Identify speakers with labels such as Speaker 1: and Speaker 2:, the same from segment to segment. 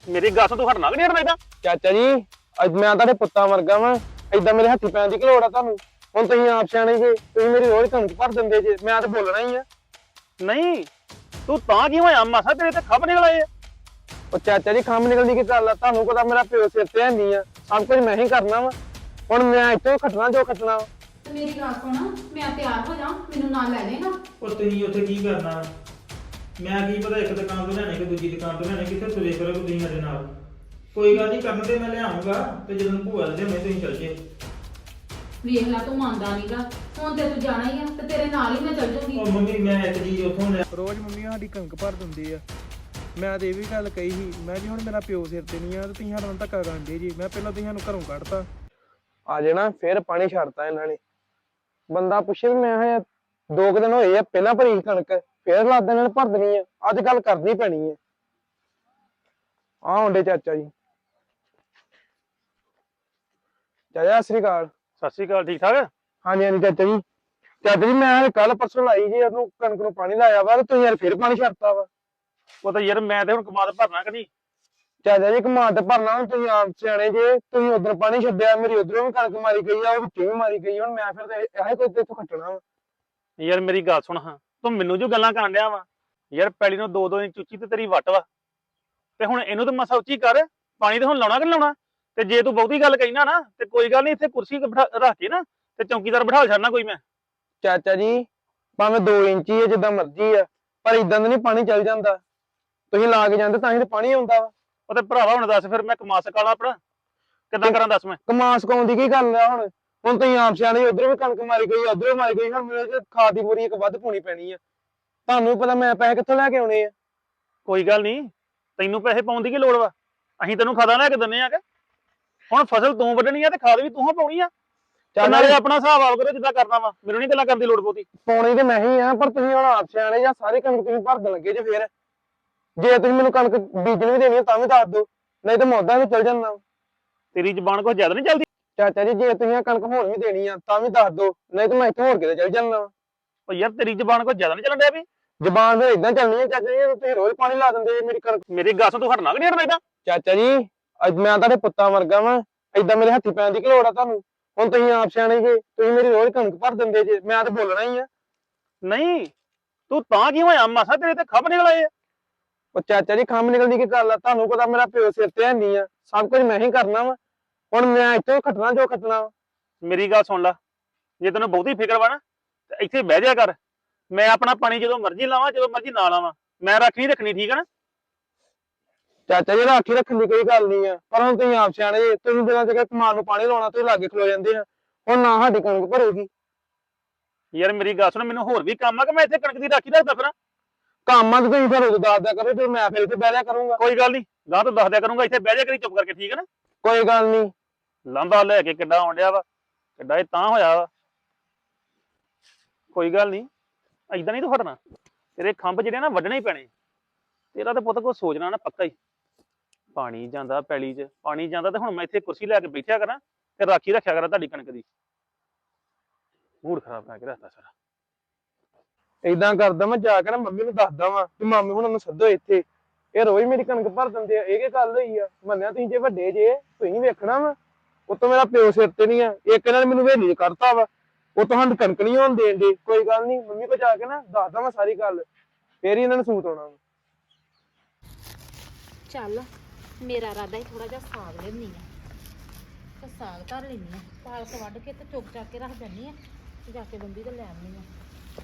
Speaker 1: ਮੇਰੀ ਗੱਲ ਤੋਂ ਹਟਣਾ ਕਿ ਨਹੀਂ ਹਟਣਾ ਏਦਾਂ?
Speaker 2: ਚਾਚਾ ਜੀ ਅੱਜ ਮੈਂ ਤੁਹਾਡੇ ਪੁੱਤਾਂ ਵਰਗਾ ਵਾਂ। ਏਦਾਂ ਮੇਰੇ ਹੱਥੀ ਪੈਣ ਦੀ ਕੀ ਲੋੜ ਆ ਤੁਹਾਨੂੰ? ਹੁਣ ਤੁਸੀਂ ਆਪ ਸਿਆਣੇ ਜੇ, ਤੁਸੀਂ ਮੇਰੀ ਰੋਜ਼ ਕਣਕ ਭਰ ਦਿੰਦੇ ਜੇ, ਮੈਂ ਤਾਂ ਬੋਲਣਾ ਹੀ ਆ।
Speaker 1: ਨਹੀਂ ਤੂੰ ਤਾਂ ਕੀ ਹੋਇਆ? ਮਾਸਾ ਤੇਰੇ ਤੇ ਖੱਬ ਨਿਕਲ ਆਏ ਆ।
Speaker 2: ਉਹ ਚਾਚਾ ਜੀ ਖੰਮ ਨਿਕਲਦੀ ਕੀ ਗੱਲ ਆ? ਤੁਹਾਨੂੰ ਪਤਾ ਮੇਰਾ ਪਿਓ ਸਿਰ ਤੇ ਹੈਨੀ ਆ, ਸਭ ਕੁਝ ਮੈਂ ਹੀ ਕਰਨਾ ਵਾ। ਹੁਣ ਮੈਂ ਇੱਥੋਂ ਖੱਟਣਾ ਜੋ ਖੱਟਣਾ ਵਾ।
Speaker 3: ਤੇ ਮੇਰੀ ਗੱਲ ਸੁਣ, ਮੈਂ ਤਿਆਰ ਹੋ ਜਾ, ਮੈਨੂੰ ਨਾਲ ਲੈ ਜਾਏਗਾ।
Speaker 4: ਉਹ ਤੁਸੀਂ ਉੱਥੇ ਕੀ ਕਰਨਾ? ਮੈਂ ਕੀ ਪਤਾ ਇੱਕ ਦੁਕਾਨ ਤੋਂ ਲੈਣੇ ਕਿ ਦੂਜੀ ਦੁਕਾਨ ਤੋਂ ਲੈਣੇ, ਕਿੱਥੇ ਤੁਰੇ ਕਰੋ ਤੁਸੀਂ ਮੇਰੇ ਨਾਲ। ਕੋਈ ਗੱਲ ਨਹੀਂ, ਕਰਨ ਤੇ ਮੈਂ ਲਿਆਉਂਗਾ ਤੇ ਜਦੋਂ ਭੂਆ ਦੇ ਲਿਆਉਣੇ ਤੁਸੀਂ ਚੱਲ ਜਿਓ।
Speaker 3: ਵੇਖ ਲੈ ਤੂੰ ਮੰਨਦਾ ਨਹੀਂਗਾ, ਹੁਣ ਤੇ ਤੂੰ ਜਾਣਾ ਹੀ ਆ ਤੇ ਤੇਰੇ ਨਾਲ ਹੀ ਮੈਂ ਚੱਲ ਜੂਗੀ।
Speaker 4: ਉਹ ਮੰਮੀ ਮੈਂ ਇੱਕ ਚੀਜ਼ ਉੱਥੋਂ ਲੈ
Speaker 2: ਰੋਜ਼ ਮੰਮੀ ਸਾਡੀ ਕਣਕ ਭਰ ਦਿੰਦੀ ਆ। ਮੈਂ ਤੇ ਇਹ ਵੀ ਗੱਲ ਕਹੀ ਸੀ, ਮੈਂ ਜੀ ਹੁਣ ਮੇਰਾ ਪਿਓ ਸਿਰ ਤੇ ਨਹੀਂ ਆ ਤੇ ਤੁਸੀਂ ਸਾਨੂੰ ਧੱਕਾ ਕਰਦੇ ਜੀ। ਮੈਂ ਪਹਿਲਾਂ ਤੁਸੀਂ ਸਾਨੂੰ ਘਰੋਂ ਕੱਢਤਾ, ਆ ਜਾਣਾ ਫਿਰ ਪਾਣੀ ਛੱਡਤਾ ਇਹਨਾਂ ਨੇ। ਬੰਦਾ ਪੁੱਛੇ ਵੀ ਮੈਂ ਕਿਹਾ 2 ਦਿਨ ਹੋਏ ਆ, ਪਹਿਲਾਂ ਭਰੀ ਸੀ ਕਣਕ, ਫਿਰ ਲੱਦ ਇਹਨਾਂ ਨੇ ਭਰ ਦੇਣੀ ਆ। ਅੱਜ ਗੱਲ ਕਰਨੀ ਪੈਣੀ ਹੈ। ਆ ਹੁੰਦੇ ਚਾਚਾ ਜੀ। ਚਾਚਾ ਸਤਿ ਸ੍ਰੀ ਅਕਾਲ।
Speaker 1: ਸਤਿ ਸ਼੍ਰੀ ਅਕਾਲ। ਠੀਕ ਠਾਕ?
Speaker 2: ਹਾਂਜੀ ਹਾਂਜੀ ਚਾਚਾ ਜੀ। ਚਾਚਾ ਜੀ ਮੈਂ ਕੱਲ ਪਰਸੋਂ ਲਾਈ ਜੀ, ਉਹਨੂੰ ਕਣਕ ਨੂੰ ਪਾਣੀ ਲਾਇਆ ਵਾ ਤੇ ਤੁਸੀਂ ਯਾਰ ਫਿਰ ਪਾਣੀ ਛੱਡਤਾ ਵਾ।
Speaker 1: ਉਹ ਤਾਂ ਯਾਰ ਮੈਂ ਤੇ ਹੁਣ ਕਮਾਦ ਭਰਨਾ ਕਿ ਨਹੀਂ?
Speaker 2: ਚਾਚਾ ਜੀ ਕਮਾਦ ਤੇ ਭਰਨਾ, ਹੁਣ ਤੁਸੀਂ ਆਪ ਸਿਆਣੇ ਜੇ, ਤੁਸੀਂ ਉਧਰ ਪਾਣੀ ਛੱਡਿਆ, ਮੇਰੀ ਉਧਰੋਂ ਵੀ ਕਣਕ ਮਾਰੀ ਗਈ ਆ, ਉਹ ਵਿੱਚੋਂ ਵੀ ਮਾਰੀ ਗਈ। ਹੁਣ ਮੈਂ ਫਿਰ ਤੇ ਇਹੋ ਕੋਈ ਤੇ ਇੱਥੋਂ ਖੱਟਣਾ ਵਾ।
Speaker 1: ਯਾਰ ਮੇਰੀ ਗੱਲ ਸੁਣ ਹਾਂ, ਤੂੰ ਮੈਨੂੰ ਜੋ ਗੱਲਾਂ ਕਰਨ ਡਿਆ ਵਾ ਯਾਰ, ਪੈਲੀ ਨੂੰ 2-2 ਇੰਚ ਉੱਚੀ ਤੇ ਤੇਰੀ ਵੱਟ ਵਾ, ਤੇ ਹੁਣ ਇਹਨੂੰ ਤਾਂ ਮਸਾ ਉੱਚੀ ਕਰ। ਪਾਣੀ ਤੇ ਹੁਣ ਲਾਉਣਾ ਕਿ ਨੀ ਲਾਉਣਾ? ਤੇ ਜੇ ਤੂੰ ਬਹੁਤੀ ਗੱਲ ਕਹੀ ਨਾ ਤੇ ਕੋਈ ਗੱਲ ਨਹੀਂ, ਇੱਥੇ ਕੁਰਸੀ ਰੱਖ ਕੇ ਨਾ ਤੇ ਚੌਕੀਦਾਰ ਬਿਠਾ ਛੱਡਣਾ ਕੋਈ ਮੈਂ।
Speaker 2: ਚਾਚਾ ਜੀ ਭਾਵੇਂ 2 ਇੰਚੀ ਹੈ, ਜਿੱਦਾਂ ਮਰਜ਼ੀ ਆ, ਪਰ ਇਦਾਂ ਦਾ ਨਹੀਂ ਪਾਣੀ ਚੱਲ ਜਾਂਦਾ। ਤੁਸੀਂ ਲਾ ਕੇ ਜਾਂਦੇ ਤਾਂ ਹੀ ਤੇ ਪਾਣੀ ਆਉਂਦਾ ਵਾ।
Speaker 1: ਉਹ ਤੇ ਭਰਾਵਾ ਹੁਣ ਦੱਸ ਫਿਰ ਮੈਂ ਕਮਾ ਸਕਾਂ ਆਪਣਾ? ਕਿੱਦਾਂ ਕਰਾਂ ਦੱਸ ਮੈਂ?
Speaker 2: ਕਮਾ ਸਕਾਉਣ ਦੀ ਕੀ ਗੱਲ ਆ? ਹੁਣ ਤੁਸੀਂ ਆਪ ਸਿਆਣੇ, ਉਧਰੋਂ ਵੀ ਕਣਕ ਮਾਰੀ ਗਈ, ਉਧਰੋਂ ਮਾਰੀ ਗਈ, ਹੁਣ ਮੇਰੇ ਖਾਦ ਦੀ ਬੋਰੀ ਇੱਕ ਵੱਧ ਪਾਉਣੀ ਪੈਣੀ ਆ। ਤੁਹਾਨੂੰ ਪਤਾ ਮੈਂ ਪੈਸੇ ਕਿੱਥੋਂ ਲੈ ਕੇ ਆਉਣੇ ਆ?
Speaker 1: ਕੋਈ ਗੱਲ ਨਹੀਂ, ਤੈਨੂੰ ਪੈਸੇ ਪਾਉਣ ਦੀ ਕੀ ਲੋੜ ਵਾ? ਅਸੀਂ ਤੈਨੂੰ ਖਾਦਾ ਲੈ ਕੇ ਦਿੰਨੇ ਆ ਕਿ ਹੁਣ ਫਸਲ ਤੂੰ ਵੱਢਣੀ ਆ ਤੇ ਖਾਦ ਵੀ ਤੂੰ ਪਾਉਣੀ ਆ।
Speaker 2: ਚੱਲ
Speaker 1: ਨਾਲੇ ਆਪਣਾ ਹਿਸਾਬ ਆਪ ਕਰੋ ਜਿੱਦਾਂ ਕਰਨਾ ਵਾ, ਮੈਨੂੰ ਨਹੀਂ ਗੱਲਾਂ ਕਰਨ ਦੀ ਲੋੜ ਬਹੁਤੀ।
Speaker 2: ਪਾਉਣੀ ਤੇ ਮੈਂ ਹੀ ਆ, ਪਰ ਤੁਸੀਂ ਹੁਣ ਆਪ ਸਿਆਣੇ ਜਾਂ ਸਾਰੀ ਕਣਕ ਤੁਸੀਂ ਭਰ ਦੇਣ ਲੱਗੇ ਜੇ। ਫਿਰ ਜੇ ਤੁਸੀਂ ਮੈਨੂੰ ਕਣਕ ਬੀਜਣ ਵੀ ਦੇਣੀ ਆ ਤਾਂ ਵੀ ਦੱਸ ਦਿਓ, ਨਹੀਂ ਤਾਂ ਮੈਂ ਉਦਾਂ ਵੀ ਚੱਲ ਜਾਂਦਾ।
Speaker 1: ਤੇਰੀ ਜ਼ਬਾਨ ਕੁਝ ਜ਼ਿਆਦਾ ਨਹੀਂ ਚੱਲਦੀ?
Speaker 2: ਚਾਚਾ ਜੀ ਜੇ ਤੁਸੀਂ ਆਹ ਕਣਕ ਹੋਰ ਵੀ ਦੇਣੀ ਆ ਤਾਂ ਵੀ ਦੱਸ ਦਿਓ, ਨਹੀਂ ਤਾਂ ਮੈਂ ਇੱਥੇ ਹੋਰ ਕਿਤੇ ਚੱਲ ਜਾਂਦਾ।
Speaker 1: ਉਹ ਯਾਰ ਤੇਰੀ ਜ਼ਬਾਨ ਕੁਝ ਜ਼ਿਆਦਾ ਨਹੀਂ ਚੱਲਣ ਡਿਆ ਵੀ?
Speaker 2: ਜ਼ਬਾਨ ਫਿਰ ਏਦਾਂ ਚੱਲਣੀ ਹੈ ਚਾਚਾ ਜੀ, ਤੁਸੀਂ ਰੋਜ਼ ਪਾਣੀ ਲਾ ਦਿੰਦੇ ਜੇ ਮੇਰੀ ਕਣਕ।
Speaker 1: ਮੇਰੀ ਗੱਲ ਤੋਂ ਹਟਣਾ ਕਿ ਨਹੀਂ ਹਟਣਾ ਏਦਾਂ?
Speaker 2: ਚਾਚਾ ਜੀ ਅੱਜ ਮੈਂ ਤੁਹਾਡੇ ਪੁੱਤਾਂ ਵਰਗਾ ਵਾਂ, ਏਦਾਂ ਮੇਰੇ ਹੱਥੀ ਪੈਣ ਦੀ ਕੀ ਲੋੜ ਆ ਤੁਹਾਨੂੰ? ਹੁਣ ਤੁਸੀਂ ਆਪ ਸਿਆਣੇ ਜੇ, ਤੁਸੀਂ ਮੇਰੀ ਰੋਜ਼ ਕਣਕ ਭਰ ਦਿੰਦੇ ਜੇ, ਮੈਂ ਤਾਂ ਬੋਲਣਾ ਹੀ ਆ।
Speaker 1: ਨਹੀਂ ਤੂੰ ਤਾਂ ਕੀ ਹੋਇਆ? ਮਾਸਾ ਤੇਰੇ ਤੇ ਖੱਬ ਨਿਕਲ ਆਏ ਆ।
Speaker 2: ਉਹ ਚਾਚਾ ਜੀ ਖੰਮ ਨਿਕਲਦੀ ਕੀ ਗੱਲ ਆ? ਤੁਹਾਨੂੰ ਪਤਾ ਮੇਰਾ ਪਿਓ ਸਿਰ ਤੇ ਹੈਨੀ ਆ, ਸਭ ਕੁਝ ਮੈਂ ਹੀ ਕਰਨਾ ਵਾ। ਹੁਣ ਮੈਂ ਇੱਥੋਂ ਖੱਟਣਾ ਜੋ ਖੱਟਣਾ ਵਾ।
Speaker 1: ਮੇਰੀ ਗੱਲ ਸੁਣ ਲੈ, ਜੇ ਤੈਨੂੰ ਬਹੁਤੀ ਫਿਕਰ ਵਾ ਨਾ ਤੇ ਇੱਥੇ ਬਹਿ ਜਾ ਕਰ। ਮੈਂ ਆਪਣਾ ਪਾਣੀ ਜਦੋਂ ਮਰਜ਼ੀ ਲਾਵਾਂ, ਜਦੋਂ ਮਰਜ਼ੀ ਨਾ ਲਾਵਾਂ, ਮੈਂ ਰੱਖਣੀ ਰੱਖਣੀ, ਠੀਕ ਹੈ ਨਾ?
Speaker 2: ਚਾਚਾ ਜੀ ਰਾਖੀ ਰੱਖਣ ਦੀ ਕੋਈ ਗੱਲ ਨਹੀਂ ਆ, ਪਰ ਹੁਣ ਤੁਸੀਂ ਆਪ ਸਿਆਣੇ ਜੇ, ਤੁਸੀਂ ਦਿਨਾਂ ਚ ਕਮਾਨ ਨੂੰ ਪਾਣੀ ਲਾਉਣਾ ਤੁਸੀਂ ਲਾਗੇ ਖਲੋ ਜਾਂਦੇ ਆ। ਹੁਣ ਨਾ ਸਾਡੀ ਕਣਕ ਭਰੇਗੀ।
Speaker 1: ਯਾਰ ਮੇਰੀ ਗੱਲ ਸੁਣ, ਮੈਨੂੰ ਹੋਰ ਵੀ ਕੰਮ ਆ ਕਿ ਮੈਂ ਇੱਥੇ ਕਣਕ ਦੀ ਰਾਖੀ ਰੱਖਦਾ ਫਿਰਾਂ?
Speaker 2: ਕੰਮਾਂ ਤੇ ਤੁਸੀਂ ਫਿਰ ਉਦੋਂ ਦੱਸ ਦਿਆ ਕਰੋ, ਫਿਰ ਮੈਂ ਫਿਰ ਇੱਥੇ ਬਹਿ ਜਾ ਕਰੂੰਗਾ।
Speaker 1: ਕੋਈ ਗੱਲ ਨਹੀਂ, ਗਾਂ ਤੋਂ ਦੱਸ ਦਿਆ ਕਰੂੰਗਾ, ਇੱਥੇ ਬਹਿ ਜਾ ਕਰੀ ਚੁੱਪ ਕਰਕੇ, ਠੀਕ ਹੈ ਨਾ?
Speaker 2: ਕੋਈ ਗੱਲ ਨਹੀਂ।
Speaker 1: ਲਾਂਬਾ ਲੈ ਕੇ ਕਿੱਡਾ ਆਉਣ ਡਿਆ ਵਾ, ਕਿੱਡਾ ਇਹ ਤਾਂ ਹੋਇਆ ਵਾ। ਕੋਈ ਗੱਲ ਨਹੀਂ, ਏਦਾਂ ਨਹੀਂ ਤੂੰ ਹਟਣਾ। ਤੇਰੇ ਖੰਭ ਜਿਹੜੇ ਨਾ ਵੱਢਣੇ ਹੀ ਪੈਣੇ। ਤੇਰਾ ਤਾਂ ਪੁੱਤ ਕੋਈ ਸੋਚਣਾ ਨਾ ਪੱਕਾ ਹੀ। ਪਾਣੀ ਜਾਂਦਾ ਪੈਲੀ 'ਚ, ਪਾਣੀ ਜਾਂਦਾ ਤੇ ਹੁਣ ਮੈਂ ਇੱਥੇ ਕੁਰਸੀ ਲੈ ਕੇ ਬੈਠਿਆ ਕਰਾਂ ਤੇ ਰਾਖੀ ਰੱਖਿਆ ਕਰਾਂ ਤੁਹਾਡੀ ਕਣਕ ਦੀ। ਮੂਡ ਖਰਾਬ ਕਰਕੇ ਰੱਖਦਾ ਸਾਰਾ।
Speaker 2: ਏਦਾਂ ਕਰਦਾ ਮੈਂ ਜਾ ਕੇ ਨਾ ਮੰਮੀ ਨੂੰ ਦੱਸਦਾ ਵਾਂ ਕਿ ਮਾਮੀ ਹੁਣ ਨੂੰ ਸੱਦੋ ਇੱਥੇ, ਇਹ ਰੋਜ਼ ਮੇਰੀ ਕਣਕ ਭਰ ਦਿੰਦੇ ਆ। ਇਹ ਕੀ ਗੱਲ ਹੋਈ ਆ? ਮੰਨਿਆ ਤੁਸੀਂ ਜੇ ਵੱਡੇ ਜੇ, ਤੁਸੀਂ ਵੇਖਣਾ ਵਾ। ਉਤੋਂ ਮੇਰਾ ਪਿਓ ਸਿਰ ਤੇ ਨਹੀਂ ਆ, ਇੱਕ ਇਹਨਾਂ ਨੇ ਮੈਨੂੰ ਵੇਲੀ ਕਰਤਾ ਵਾ, ਉਹ ਤੁਹਾਨੂੰ ਕਣਕ ਨਹੀਂ ਹੋਣ ਦੇਣ ਦੇ। ਕੋਈ ਗੱਲ ਨਹੀਂ, ਮੰਮੀ ਕੋਲ ਜਾ ਕੇ ਨਾ ਦੱਸਦਾ ਮੈਂ ਸਾਰੀ ਗੱਲ, ਫੇਰ ਹੀ ਇਹਨਾਂ ਨੂੰ ਸੂਤ ਆਉਣਾ ਵਾ।
Speaker 5: ਚੱਲ ਮੇਰਾ ਇਰਾਦਾ ਹੀ ਥੋੜਾ ਜਿਹਾ ਸਾਗ ਲੈਣੀ ਆ ਤੇ ਸਾਗ ਧਰ ਲੈਣੀ ਆ, ਪਾਲਕ ਵੱਢ ਕੇ ਤੇ ਚੁੱਕ ਚੱਕ ਕੇ ਰੱਖ ਦਿੰਨੀ ਆ ਤੇ ਜਾ ਕੇ ਬੰਬੀ ਤੇ ਲੈ ਆਉਣੀ ਆ।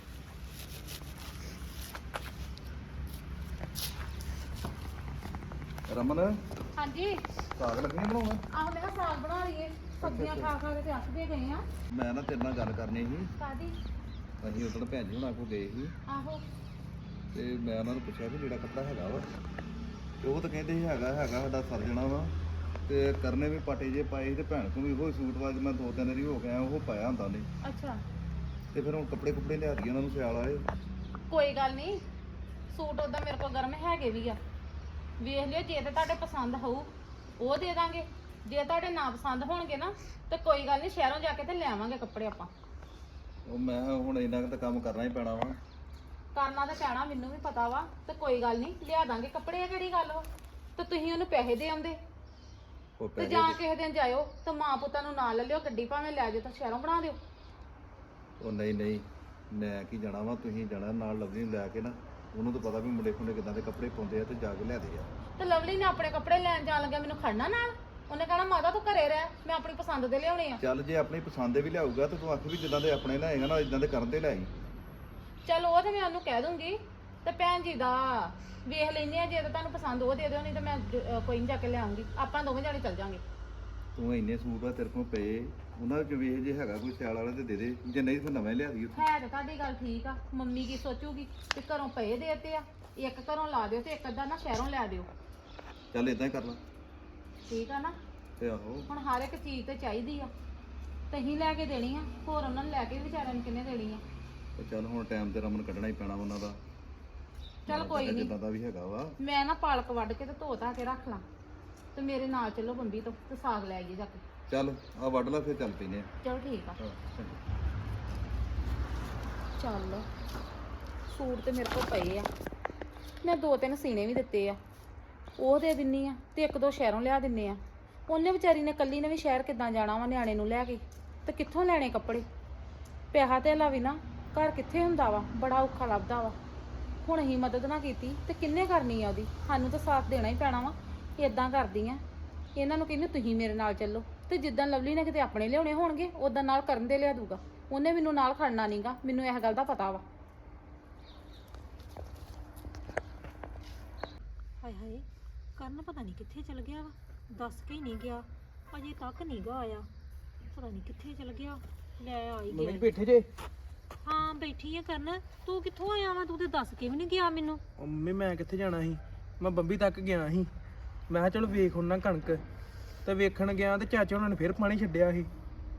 Speaker 6: ਰਮਨ
Speaker 5: ਹਾਂਜੀ
Speaker 6: ਸਾਗ ਲੱਗਣੀ ਬਣਾਉਣਾ।
Speaker 5: ਆਹ ਮੈਂ ਕਿਹਾ ਸਾਗ ਬਣਾ ਲਈਏ, ਸਬਜ਼ੀਆਂ ਖਾ ਖਾ ਕੇ ਤੇ ਅੱਕ ਗਏ ਆ।
Speaker 6: ਮੈਂ ਨਾ ਤੇਰੇ ਨਾਲ ਗੱਲ ਕਰਨੀ ਸੀ।
Speaker 5: ਕਾਦੀ?
Speaker 6: ਅਸੀਂ ਉਦੋਂ ਭੈਣ ਜੀ ਹੁਣਾਂ ਕੋਲ ਗਏ ਸੀ
Speaker 5: ਆਹੋ
Speaker 6: ਤੇ ਮੈਂ ਉਹਨਾਂ ਨੂੰ ਪੁੱਛਿਆ ਵੀ ਜਿਹੜਾ ਕੱਪੜਾ ਹੈਗਾ ਵਾ, ਤੇ ਉਹ ਤਾਂ ਕਹਿੰਦੇ ਸੀ ਹੈਗਾ ਸਾਡਾ ਸਰ ਜਾਣਾ ਵਾ। ਤੇ ਕਰਨੇ ਵੀ ਪਾਟੇ ਜੇ ਪਾਏ ਸੀ ਤੇ ਭੈਣ ਕੋਲ ਵੀ ਉਹੀ ਸੂਟ ਵਾ, ਮੈਂ 2-3 ਵਾਰੀ ਹੋ ਗਿਆ ਉਹ ਪਾਇਆ ਹੁੰਦਾ ਨੇ।
Speaker 5: ਅੱਛਾ
Speaker 6: ਤੇ ਫਿਰ ਹੁਣ ਕੱਪੜੇ ਲਿਆ ਦਈਏ ਉਹਨਾਂ ਨੂੰ ਸਿਆਲ ਵਾਲੇ।
Speaker 5: ਕੋਈ ਗੱਲ ਨਹੀਂ, ਸੂਟ ਉਦਾਂ ਮੇਰੇ ਕੋਲ ਗਰਮ ਹੈਗੇ ਵੀ ਆ, ਵੇਖ ਲਿਓ। ਜੇ ਤੇ ਤੁਹਾਡੇ ਪਸੰਦ ਹੋਊ ਉਹ ਦੇ ਦਾਂਗੇ, ਜੇ ਤੁਹਾਡੇ ਨਾ ਪਸੰਦ ਹੋਣਗੇ ਨਾ ਤੇ ਕੋਈ ਗੱਲ ਨਹੀਂ, ਸ਼ਹਿਰੋਂ ਜਾ ਕੇ ਤੇ ਲੈ ਆਵਾਂਗੇ ਕੱਪੜੇ ਆਪਾਂ।
Speaker 6: ਉਹ ਮੈਂ ਹੁਣ ਇੰਨਾ ਕੁ ਤਾਂ ਕੰਮ ਕਰਨਾ ਹੀ ਪੈਣਾ ਵਾ।
Speaker 5: ਕਰਨਾ ਤਾਂ ਪੈਣਾ, ਮੈਨੂੰ ਵੀ ਪਤਾ ਵਾ, ਤੇ ਕੋਈ ਗੱਲ ਨਹੀਂ ਲਿਆ ਦਾਂਗੇ ਕੱਪੜੇ। ਆ ਕਿਹੜੀ ਗੱਲ ਵਾ? ਤੇ ਤੁਸੀਂ ਉਹਨੂੰ ਪੈਸੇ ਦੇ ਆਉਂਦੇ
Speaker 6: ਉਹ
Speaker 5: ਤੇ
Speaker 6: ਪੈਸੇ
Speaker 5: ਜਾਂ ਕਿਸੇ ਦਿਨ ਜਾਇਓ ਤੇ ਮਾਂ ਪੁੱਤਾਂ ਨੂੰ ਨਾਲ ਲੈ ਲਿਓ, ਗੱਡੀ ਭਾਵੇਂ ਲੈ ਜਾਓ ਤਾਂ ਸ਼ਹਿਰੋਂ ਬਣਾ ਦਿਓ।
Speaker 6: ਉਹ ਨਹੀਂ ਨਹੀਂ, ਮੈਂ ਕੀ ਜਾਣਾ ਵਾ, ਤੁਸੀਂ ਜਾਣਾ ਨਾਲ ਲਵਲੀ ਨੂੰ ਲੈ ਕੇ ਨਾ, ਉਹਨੂੰ ਤਾਂ ਪਤਾ ਵੀ ਮੁੰਡੇ ਖੁੰਡੇ ਕਿਦਾਂ ਦੇ ਕੱਪੜੇ ਪਾਉਂਦੇ ਆ, ਤੇ ਜਾ ਕੇ ਲਿਆ ਦੇ ਆ।
Speaker 5: ਤੇ ਲਵਲੀ ਨੇ ਆਪਣੇ ਕੱਪੜੇ ਲੈਣ ਜਾਣ ਲੱਗਿਆ ਮੈਨੂੰ ਖੜਨਾ ਨਾਲ, ਉਹਨੇ ਕਹਿਣਾ ਮਾਤਾ ਤੂੰ ਘਰੇ ਰਹਿ, ਮੈਂ ਆਪਣੀ ਪਸੰਦ ਦੇ ਲਿਆਉਣੇ ਆ।
Speaker 6: ਚੱਲ ਜੇ ਆਪਣੀ ਪਸੰਦ ਦੇ ਵੀ ਲਿਆਊਗਾ ਤੇ ਤੂੰ ਆਖ ਵੀ ਜਿੱਦਾਂ ਦੇ ਆਪਣੇ ਲਿਆਏਗਾ ਨਾ ਇਦਾਂ ਦੇ ਕਰਨ ਤੇ ਲਿਆਈ।
Speaker 5: ਚਲ ਉਹ ਤੇ ਮੈਂ ਉਹਨੂੰ ਕਹਿ ਦੂੰਗੀ, ਤੇ ਭੈਣ ਜੀ ਦਾ ਵੇਖ ਲੈਂਦੇ ਆ, ਜੇ ਤਾਂ ਤੁਹਾਨੂੰ ਪਸੰਦ ਉਹ ਦੇ ਦਿਓ, ਨਹੀਂ ਤਾਂ ਮੈਂ ਕੋਈ ਨਹੀਂ ਜਾ ਕੇ ਲਿਆਉਂਗੀ, ਆਪਾਂ ਦੋਵੇਂ ਜਾਣੇ ਚੱਲ ਜਾਾਂਗੇ।
Speaker 6: ਤੂੰ ਇੰਨੇ ਸੂਟ ਆ ਤੇਰੇ ਕੋਲ ਪਏ, ਉਹਨਾਂ ਵਿੱਚ ਵੇਖ ਜੇ ਹੈਗਾ ਕੋਈ ਸਿਆਲ ਵਾਲਾ ਤੇ ਦੇ ਦੇ, ਜੇ ਨਹੀਂ ਫਿਰ ਨਵੇਂ ਲਿਆ ਦੀ ਉੱਥੇ।
Speaker 5: ਹੈ ਤੇ ਤੁਹਾਡੀ ਗੱਲ ਠੀਕ ਆ, ਮੰਮੀ ਕੀ ਸੋਚੂਗੀ ਕਿ ਘਰੋਂ ਪਏ ਦੇਤੇ ਆ, ਇੱਕ ਘਰੋਂ ਲਾ ਦਿਓ ਤੇ ਇੱਕ ਅੱਧਾ ਨਾ ਸ਼ਹਿਰੋਂ ਲੈ ਦਿਓ।
Speaker 6: ਚੱਲ ਇਦਾਂ ਹੀ ਕਰ ਲਾ।
Speaker 5: ਠੀਕ ਆ ਨਾ,
Speaker 6: ਤੇ ਆਹੋ
Speaker 5: ਹੁਣ ਹਰ ਇੱਕ ਚੀਜ਼ ਤੇ ਚਾਹੀਦੀ ਆ, ਤਹੀਂ ਲੈ ਕੇ ਦੇਣੀ ਆ, ਹੋਰ ਉਹਨਾਂ ਨੂੰ ਲੈ ਕੇ ਵਿਚਾਰਿਆਂ ਨੂੰ ਕਿੰਨੇ ਦੇਣੀ ਆ।
Speaker 6: ਤੇ ਚੱਲ ਹੁਣ ਟਾਈਮ ਤੇ ਰਮਨ ਕੱਢਣਾ ਹੀ ਪੈਣਾ ਉਹਨਾਂ ਦਾ।
Speaker 5: ਚੱਲ ਕੋਈ ਨਹੀਂ,
Speaker 6: ਜਿੱਦਾਂ ਦਾ ਵੀ ਹੈਗਾ ਵਾ।
Speaker 5: ਮੈਂ ਨਾ ਪਾਲਕ ਵੱਢ ਕੇ ਤੇ ਧੋ ਧਾ ਕੇ ਰੱਖ ਲਾਂ, ਤੇ ਮੇਰੇ ਨਾਲ ਚੱਲੋ ਬੰਬੀ ਤੋਂ ਤੇ ਸਾਗ ਲੈ ਆਈਏ ਜਾ ਕੇ।
Speaker 6: ਚੱਲ ਆ ਵੱਢ ਲਾ ਫਿਰ ਚੱਲ ਪੈਨੇ ਆ।
Speaker 5: ਚਲੋ ਠੀਕ ਆ।
Speaker 6: ਹਾਂ, ਚੰਗਾ।
Speaker 5: ਚੱਲ ਸੂਟ ਤੇ ਮੇਰੇ ਕੋਲ ਪਏ ਆ, ਮੈਂ 2-3 ਸੀਨੇ ਵੀ ਦਿੱਤੇ ਆ, ਉਹ ਦੇ ਦਿੰਨੀ ਆ, ਤੇ 1-2 ਸ਼ਹਿਰੋਂ ਲਿਆ ਦਿੰਨੇ ਆ। ਉਹਨੇ ਵਿਚਾਰੀ ਨੇ ਕੱਲੀ ਨੇ ਵੀ ਸ਼ਹਿਰ ਕਿੱਦਾਂ ਜਾਣਾ ਵਾ ਨਿਆਣੇ ਨੂੰ ਲੈ ਕੇ, ਤੇ ਕਿੱਥੋਂ ਲੈਣੇ ਕੱਪੜੇ, ਪਿਆਹਾ ਧੇਲਾ ਵੀ ਨਾ ਘਰ ਕਿੱਥੇ ਹੁੰਦਾ ਵਾ, ਬੜਾ ਔਖਾ ਲੱਭਦਾ ਵਾ। ਹੁਣ ਅਸੀਂ ਮਦਦ ਨਾ ਕੀਤੀ ਤੇ ਕਿੰਨੇ ਕਰਨੀ ਆ ਉਹਦੀ, ਸਾਨੂੰ ਤਾਂ ਸਾਥ ਦੇਣਾ ਹੀ ਪੈਣਾ ਵਾ। ਇਦਾਂ ਕਰਦੀ ਆ, ਇਹਨਾਂ ਨੂੰ ਕਹਿੰਦੇ ਤੁਸੀਂ ਮੇਰੇ ਨਾਲ ਚੱਲੋ, ਤੇ ਜਿੱਦਾਂ ਲਵਲੀ ਨੇ ਕਿਤੇ ਆਪਣੇ ਲਿਆਉਣੇ ਹੋਣਗੇ ਉਦਾਂ ਨਾਲ ਕਰਨ ਦੇ ਲਿਆ ਦੂਗਾ, ਉਹਨੇ ਮੈਨੂੰ ਨਾਲ ਖੜਨਾ ਨਹੀਂਗਾ, ਮੈਨੂੰ ਇਹ ਗੱਲ ਦਾ ਪਤਾ ਵਾ।
Speaker 7: ਹਾਏ ਹਾਏ, ਕਰਨ ਪਤਾ ਨਹੀਂ ਕਿੱਥੇ ਚਲ ਗਿਆ ਵਾ, ਦੱਸ ਕੇ ਹੀ ਨਹੀਂ ਗਿਆ, ਅਜੇ ਤੱਕ ਨਹੀਂ ਗਾ ਆਇਆ, ਪਤਾ ਨਹੀਂ ਕਿੱਥੇ ਚਲ ਗਿਆ। ਲੈ ਆ ਹੀ
Speaker 2: ਮੰਮੀ
Speaker 7: ਗਿਆ।
Speaker 2: ਬੈਠੇ ਜੇ?
Speaker 7: ਹਾਂ ਬੈਠੀ ਆ ਕਰਨ, ਤੂੰ ਕਿੱਥੋਂ ਆਇਆ ਵਾ, ਤੂੰ ਤੇ ਦੱਸ ਕੇ ਵੀ ਨਹੀਂ ਗਿਆ ਮੈਨੂੰ।
Speaker 2: ਉਹ ਮੰਮੀ ਮੈਂ ਕਿੱਥੇ ਜਾਣਾ ਸੀ, ਮੈਂ ਬੰਬੀ ਤੱਕ ਗਿਆ ਸੀ, ਮੈਂ ਕਿਹਾ ਚਲੋ ਵੇਖ ਉਹਨਾਂ ਕਣਕ, ਤੇ ਵੇਖਣ ਗਿਆ ਤੇ ਚਾਚਾ ਉਹਨਾਂ ਨੇ ਫਿਰ ਪਾਣੀ ਛੱਡਿਆ ਸੀ,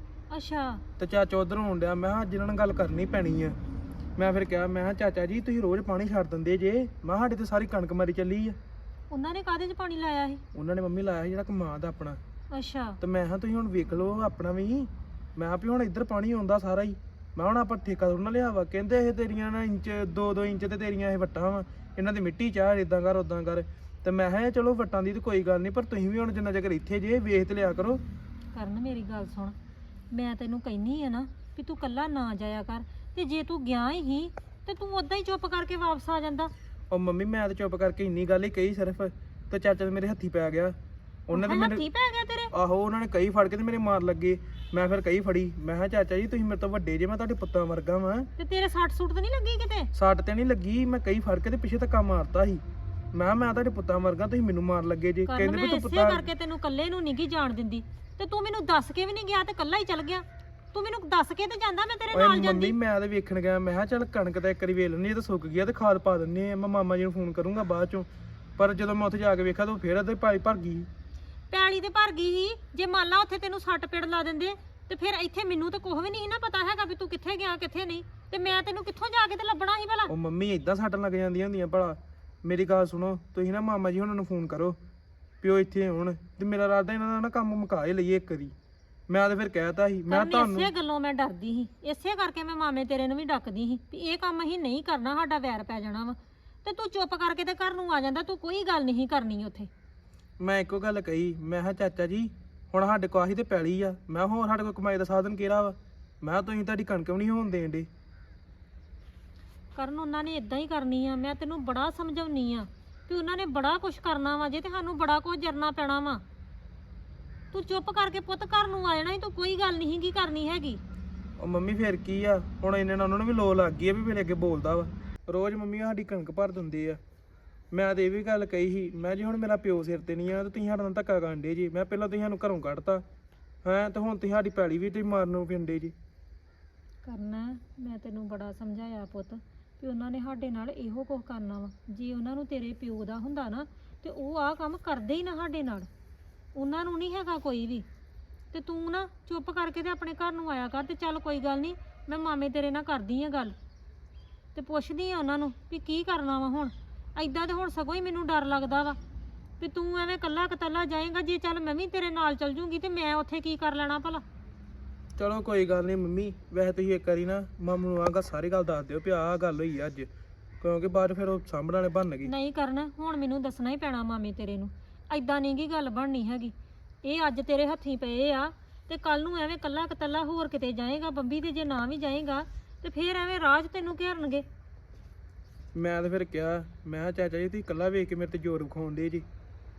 Speaker 7: ਅੱਛਾ
Speaker 2: ਤੇ ਚਾਚਾ ਉਧਰ ਹੋਣ ਡਿਆ, ਮੈਂ ਕਿਹਾ ਅੱਜ ਇਹਨਾਂ ਨਾਲ ਗੱਲ ਕਰਨੀ ਪੈਣੀ ਆ। ਮੈਂ ਫਿਰ ਕਿਹਾ, ਮੈਂ ਕਿਹਾ ਚਾਚਾ ਜੀ ਤੁਸੀਂ ਰੋਜ਼ ਪਾਣੀ ਛੱਡ ਦਿੰਦੇ ਜੇ, ਮੈਂ ਕਿਹਾ ਸਾਡੇ ਤੇ ਸਾਰੀ ਕਣਕ ਮਰੀ ਚੱਲੀ ਆ।
Speaker 7: ਉਹਨਾਂ ਨੇ ਕਾਹਦੇ 'ਚ ਪਾਣੀ ਲਾਇਆ ਸੀ?
Speaker 2: ਉਹਨਾਂ ਨੇ ਮੰਮੀ ਲਾਇਆ ਸੀ ਜਿਹੜਾ ਕਮਾਦ ਦਾ ਆਪਣਾ,
Speaker 7: ਅੱਛਾ
Speaker 2: ਤੇ ਮੈਂ ਕਿਹਾ ਤੁਸੀਂ ਹੁਣ ਵੇਖ ਲਓ ਆਪਣਾ ਵੀ, ਮੈਂ ਕਿਹਾ ਵੀ ਹੁਣ ਇੱਧਰ ਪਾਣੀ ਆਉਂਦਾ ਸਾਰਾ ਹੀ, ਮੈਂ ਹੁਣ ਆਪਾਂ ਠੇਕਾ ਥੋੜ੍ਹਾ ਨਾ ਲਿਆ ਵਾ, ਕਹਿੰਦੇ ਇਹ ਤੇਰੀਆਂ ਨਾ ਇੰਚ 2-2 ਇੰਚ ਤੇ ਤੇਰੀਆਂ ਇਹ ਵੱਟਾਂ ਵਾ, ਇਹਨਾਂ ਦੀ ਮਿੱਟੀ ਚਾਹ ਇਦਾਂ ਕਰ ਉਦਾਂ ਕਰ, ਤੇ ਮੈਂ ਕਿਹਾ ਚਲੋ ਵੱਟਾਂ ਦੀ ਤਾਂ ਕੋਈ ਗੱਲ ਨਹੀਂ, ਪਰ ਤੁਸੀਂ ਵੀ ਹੁਣ ਜਿੰਨਾ ਚਿਰ ਇੱਥੇ ਜੇ ਵੇਖ ਤੇ ਲਿਆ ਕਰੋ।
Speaker 7: ਕਰਨ ਮੇਰੀ ਗੱਲ ਸੁਣ, ਮੈਂ ਤੈਨੂੰ ਕਹਿੰਨੀ ਆ ਨਾ ਵੀ ਤੂੰ ਕੱਲਾ ਨਾ ਜਾਇਆ ਕਰ, ਤੇ ਜੇ ਤੂੰ ਗਿਆ ਹੀ ਤੇ ਤੂੰ ਉਦਾਂ ਹੀ ਚੁੱਪ ਕਰਕੇ ਵਾਪਸ ਆ ਜਾਂਦਾ।
Speaker 2: ਉਹ ਮੰਮੀ ਮੈਂ ਤਾਂ ਚੁੱਪ ਕਰਕੇ ਇੰਨੀ ਗੱਲ ਹੀ ਕਹੀ ਸਿਰਫ, ਤੇ ਚਾਚਾ ਤੇ ਮੇਰੇ ਹੱਥੀ ਪੈ ਗਿਆ, ਉਹਨਾਂ ਦੇ ਮੇਰੇ
Speaker 7: ਹੱਥੀ ਪੈ ਗਿਆ ਤੇਰੇ?
Speaker 2: ਆਹੋ ਉਹਨਾਂ ਨੇ ਕਈ ਫੜ ਕੇ ਤੇ ਮੇਰੇ ਮਾਰ ਲੱਗੇ, ਮੈਂ ਫਿਰ ਕਈ ਫੜੀ, ਮੈਂ ਕਿਹਾ ਚਾਚਾ ਜੀ ਤੁਸੀਂ ਮੇਰੇ ਤੋਂ ਵੱਡੇ ਜੇ, ਮੈਂ ਤੁਹਾਡੇ ਪੁੱਤਾਂ ਵਰਗਾ ਵਾਂ।
Speaker 7: ਤੇ ਤੇਰੇ ਸੱਟ ਸੁੱਟ ਤਾਂ ਨਹੀਂ ਲੱਗੀ ਕਿਤੇ?
Speaker 2: ਸੱਟ ਤੇ ਨਹੀਂ ਲੱਗੀ, ਮੈਂ ਕਈ ਫੜ ਕੇ ਤੇ ਪਿੱਛੇ ਧੱਕਾ ਮਾਰਤਾ ਸੀ, ਮੈਂ ਤੁਹਾਡੇ ਪੁੱਤਾਂ ਵਰਗਾ, ਤੁਸੀਂ ਮੈਨੂੰ ਮਾਰ ਲੱਗੇ ਜੇ,
Speaker 7: ਕਰਨ
Speaker 2: ਕਹਿੰਦੇ
Speaker 7: ਮੈਂ
Speaker 2: ਵੀ ਤੂੰ
Speaker 7: ਇਸੇ
Speaker 2: ਪੁੱਤਾਂ
Speaker 7: ਕਰਕੇ ਤੈਨੂੰ ਇਕੱਲੇ ਨੂੰ ਨਹੀਂ ਗੀ ਜਾਣ ਦਿੰਦੀ, ਤੇ ਤੂੰ ਮੈਨੂੰ ਦੱਸ ਕੇ ਵੀ ਨਹੀਂ ਗਿਆ ਤੇ ਇਕੱਲਾ ਹੀ ਚੱਲ ਗਿਆ। ਤੂੰ ਮੈਨੂੰ ਦੱਸ ਕੇ ਤੇ ਜਾਂਦਾ, ਮੈਂ ਤੇਰੇ
Speaker 2: ਓਏ
Speaker 7: ਨਾਲ ਜਾਂਦੀ।
Speaker 2: ਮੰਮੀ ਮੈਂ ਤਾਂ ਵੇਖਣ ਗਿਆ, ਮੈਂ ਕਿਹਾ ਚੱਲ ਕਣਕ ਤਾਂ ਇੱਕ ਵਾਰੀ ਵੇਲ ਲੈਣੀ, ਇਹ ਤਾਂ ਸੁੱਕ ਗਿਆ ਤੇ ਖਾਦ ਪਾ ਦਿੰਨੇ ਆ, ਮੈਂ ਮਾਮਾ ਜੀ ਨੂੰ ਫੋਨ ਕਰੂੰਗਾ ਬਾਅਦ ਚੋਂ, ਪਰ ਜਦੋਂ ਮੈਂ ਉੱਥੇ ਜਾ ਕੇ ਵੇਖਿਆ ਤਾਂ ਉਹ ਫੇਰ ਅੱਧੇ ਭਾਰੀ ਭਰ ਗਈ।
Speaker 7: ਪੈਲੀ ਤੇ ਭਰ ਗਈ ਸੀ, ਜੇ ਮੰਨ ਲਾ ਉੱਥੇ ਤੈਨੂੰ ਸੱਟ ਪੇੜ ਲਾ ਦਿੰਦੇ ਤੇ ਫਿਰ ਇੱਥੇ ਮੈਨੂੰ ਤਾਂ ਕੁਝ ਵੀ ਨਹੀਂ ਨਾ ਪਤਾ ਹੈਗਾ ਵੀ ਤੂੰ ਕਿੱਥੇ ਗਿਆ ਕਿੱਥੇ ਨਹੀਂ, ਤੇ ਮੈਂ ਤੈਨੂੰ ਕਿੱਥੋਂ ਜਾ ਕੇ ਤੇ ਲੱਭਣਾ ਸੀ ਭਲਾ।
Speaker 2: ਉਹ ਮੰਮੀ ਇਦਾਂ ਸੱਟਣ ਲੱਗ ਜਾਂਦੀਆਂ ਹੁੰਦੀਆਂ ਭਲਾ, ਮੇਰੀ ਗੱਲ ਸੁਣੋ, ਤੁਸੀਂ ਨਾ ਮਾਮਾ ਜੀ ਉਹਨਾਂ ਨੂੰ ਫੋਨ ਕਰੋ ਪਿਓ ਇੱਥੇ ਆਉਣ, ਤੇ ਮੇਰਾ ਇਰਾਦਾ ਇਹਨਾਂ ਦਾ ਨਾ ਕੰਮ ਮੁਕਾ ਹੀ ਲਈਏ ਇੱਕ ਵਾਰੀ, ਮੈਂ ਤਾਂ ਫਿਰ ਕਹਿਤਾ ਸੀ, ਮੈਂ
Speaker 7: ਕਰਨ
Speaker 2: ਤੁਹਾਨੂੰ
Speaker 7: ਇਸੇ ਗੱਲੋਂ ਮੈਂ ਡਰਦੀ ਸੀ, ਇਸੇ ਕਰਕੇ ਮੈਂ ਮਾਮੇ ਤੇਰੇ ਨੂੰ ਵੀ ਡੱਕਦੀ ਸੀ ਵੀ ਇਹ ਕੰਮ ਅਸੀਂ ਨਹੀਂ ਕਰਨਾ, ਸਾਡਾ ਵੈਰ ਪੈ ਜਾਣਾ ਵਾ, ਤੇ ਤੂੰ ਚੁੱਪ ਕਰਕੇ ਤੇ ਘਰ ਨੂੰ ਆ ਜਾਂਦਾ, ਤੂੰ ਕੋਈ ਗੱਲ ਨਹੀਂ ਕਰਨੀ ਉੱਥੇ।
Speaker 2: ਮੈਂ ਇੱਕੋ ਗੱਲ ਕਹੀ, ਮੈਂ ਕਿਹਾ ਚਾਚਾ ਜੀ ਹੁਣ ਸਾਡੇ ਕੋਲ ਆਹੀ ਤੇ ਪੈਲੀ ਆ, ਮੈਂ ਹੋਰ ਸਾਡੇ ਕੋਲ ਕਮਾਈ ਦਾ ਸਾਧਨ ਕਿਹੜਾ ਵਾ, ਮੈਂ ਕਿਹਾ ਤੁਸੀਂ ਤੁਹਾਡੀ ਕਣਕ ਵੀ ਨਹੀਂ ਹੋਣ ਦੇਣ ਦੇ।
Speaker 7: ਕਰਨ ਉਹਨਾਂ ਨੇ ਇਦਾਂ ਹੀ ਕਰਨੀ ਆ, ਮੈਂ ਤੈਨੂੰ ਬੜਾ ਸਮਝਾਉਣੀ ਆ ਵੀ ਉਹਨਾਂ ਨੇ ਬੜਾ ਕੁਝ ਕਰਨਾ ਵਾ ਜੇ, ਤੇ ਸਾਨੂੰ ਬੜਾ ਕੁਝ ਜਰਨਾ ਪੈਣਾ ਵਾ। ਤੂੰ ਚੁੱਪ ਕਰਕੇ ਪੁੱਤ ਘਰ ਨੂੰ ਆ ਜਾਣਾ ਸੀ, ਤੂੰ ਕੋਈ ਗੱਲ ਨਹੀਂ ਕੀ ਕਰਨੀ ਹੈਗੀ।
Speaker 2: ਉਹ ਮੰਮੀ ਫੇਰ ਕੀ ਆ, ਹੁਣ ਇਹਨਾਂ ਨਾਲ ਉਹਨਾਂ ਨੂੰ ਵੀ ਲੋ ਲੱਗ ਗਈ ਆ ਵੀ ਮੇਰੇ ਅੱਗੇ ਬੋਲਦਾ ਵਾ, ਰੋਜ਼ ਮੰਮੀ ਸਾਡੀ ਕਣਕ ਭਰ ਦਿੰਦੇ ਆ। ਮੈਂ ਤੇ ਇਹ ਵੀ ਗੱਲ ਕਹੀ ਸੀ, ਮੈਂ ਜੀ ਹੁਣ ਮੇਰਾ ਪਿਓ ਸਿਰ ਤੇ ਨਹੀਂ ਆ, ਤੇ ਤੁਸੀਂ ਸਾਡੇ ਨਾਲ ਧੱਕਾ ਕਰਨ ਡੇ ਜੀ, ਮੈਂ ਪਹਿਲਾਂ ਤੁਸੀਂ ਸਾਨੂੰ ਘਰੋਂ ਕੱਢਤਾ ਹੈਂ, ਤੇ ਹੁਣ ਤੁਸੀਂ ਸਾਡੀ ਪੈਲੀ ਵੀ ਤੁਸੀਂ ਮਾਰਨ ਫਿਰਦੇ ਜੀ।
Speaker 7: ਕਰਨਾ ਮੈਂ ਤੈਨੂੰ ਬੜਾ ਸਮਝਾਇਆ ਪੁੱਤ ਵੀ ਉਹਨਾਂ ਨੇ ਸਾਡੇ ਨਾਲ ਇਹੋ ਕੁਝ ਕਰਨਾ ਵਾ, ਜੇ ਉਹਨਾਂ ਨੂੰ ਤੇਰੇ ਪਿਓ ਦਾ ਹੁੰਦਾ ਨਾ ਤੇ ਉਹ ਆਹ ਕੰਮ ਕਰਦੇ ਹੀ ਨਾ ਸਾਡੇ ਨਾਲ, ਉਹਨਾਂ ਨੂੰ ਨਹੀਂ ਹੈਗਾ ਕੋਈ ਵੀ। ਤੇ ਤੂੰ ਨਾ ਚੁੱਪ ਕਰਕੇ ਤੇ ਆਪਣੇ ਘਰ ਨੂੰ ਆਇਆ ਕਰ, ਤੇ ਚੱਲ ਕੋਈ ਗੱਲ ਨਹੀਂ, ਮੈਂ ਮਾਮੇ ਤੇਰੇ ਨਾਲ ਕਰਦੀ ਆ ਗੱਲ, ਤੇ ਪੁੱਛਦੀ ਆ ਉਹਨਾਂ ਨੂੰ ਵੀ ਕੀ ਕਰਨਾ ਵਾ ਹੁਣ। ਐਦਾਂ ਤੇ ਹੁਣ ਸਗੋਂ ਹੀ ਮੈਨੂੰ ਡਰ ਲੱਗਦਾ ਵਾ ਵੀ ਤੂੰ ਐਵੇਂ ਕੱਲਾ ਕਤੱਲਾ ਜਾਏਗਾ, ਜੇ ਚੱਲ ਮੈਂ ਵੀ ਤੇਰੇ ਨਾਲ ਚੱਲ ਜੂੰਗੀ ਤੇ ਮੈਂ ਉੱਥੇ ਕੀ ਕਰ ਲੈਣਾ ਭਲਾ।
Speaker 2: ਚਲੋ ਕੋਈ ਗੱਲ ਨਹੀਂ ਮੰਮੀ, ਵੈਸੇ ਤੁਸੀਂ ਇੱਕ ਵਾਰੀ ਨਾ ਮਾਮੂ ਨੂੰ ਆਹ ਸਾਰੀ ਗੱਲ ਦੱਸ ਦਿਓ ਵੀ ਆਹ ਗੱਲ ਹੋਈ ਆ ਅੱਜ, ਕਿਉਂਕਿ ਬਾਅਦ ਫਿਰ ਉਹ ਸਾਂਭਣ ਵਾਲੇ ਬਣ ਗਏ।
Speaker 7: ਨਹੀਂ ਕਰਨਾ, ਹੁਣ ਮੈਨੂੰ ਦੱਸਣਾ ਹੀ ਪੈਣਾ ਮਾਮੇ ਤੇਰੇ ਨੂੰ ਐਦਾਂ ਨਹੀਂ ਗੀ ਗੱਲ ਬਣਨੀ ਹੈਗੀ। ਇਹ ਅੱਜ ਤੇਰੇ ਹੱਥੀਂ ਪਏ ਆ ਤੇ ਕੱਲ ਨੂੰ ਐਵੇਂ ਕੱਲਾ ਕਤੱਲਾ ਹੋਰ ਕਿਤੇ ਜਾਏਗਾ ਬੰਬੀ ਤੇ, ਜੇ ਨਾ ਵੀ ਜਾਏਗਾ ਤੇ ਫੇਰ ਐਵੇਂ ਰਾਜ ਤੈਨੂੰ ਘੇਰਨਗੇ।
Speaker 2: ਮੈਂ ਤਾਂ ਫਿਰ ਕਿਹਾ, ਮੈਂ ਕਿਹਾ ਚਾਚਾ ਜੀ ਤੁਸੀਂ ਇਕੱਲਾ ਵੇਖ ਕੇ ਮੇਰੇ ਤੇ ਜ਼ੋਰ ਵਿਖਾਉਂਦੇ ਜੀ।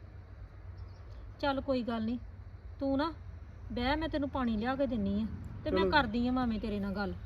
Speaker 7: ਚੱਲ ਕੋਈ ਗੱਲ ਨਹੀਂ, ਤੂੰ ਨਾ ਬਹਿ, ਮੈਂ ਤੈਨੂੰ ਪਾਣੀ ਲਿਆ ਕੇ ਦਿੰਨੀ ਆ ਤੇ ਮੈਂ
Speaker 2: ਚਲੋ।
Speaker 7: ਕਰਦੀ ਆ ਮਾਮੇ ਤੇਰੇ ਨਾਲ ਗੱਲ।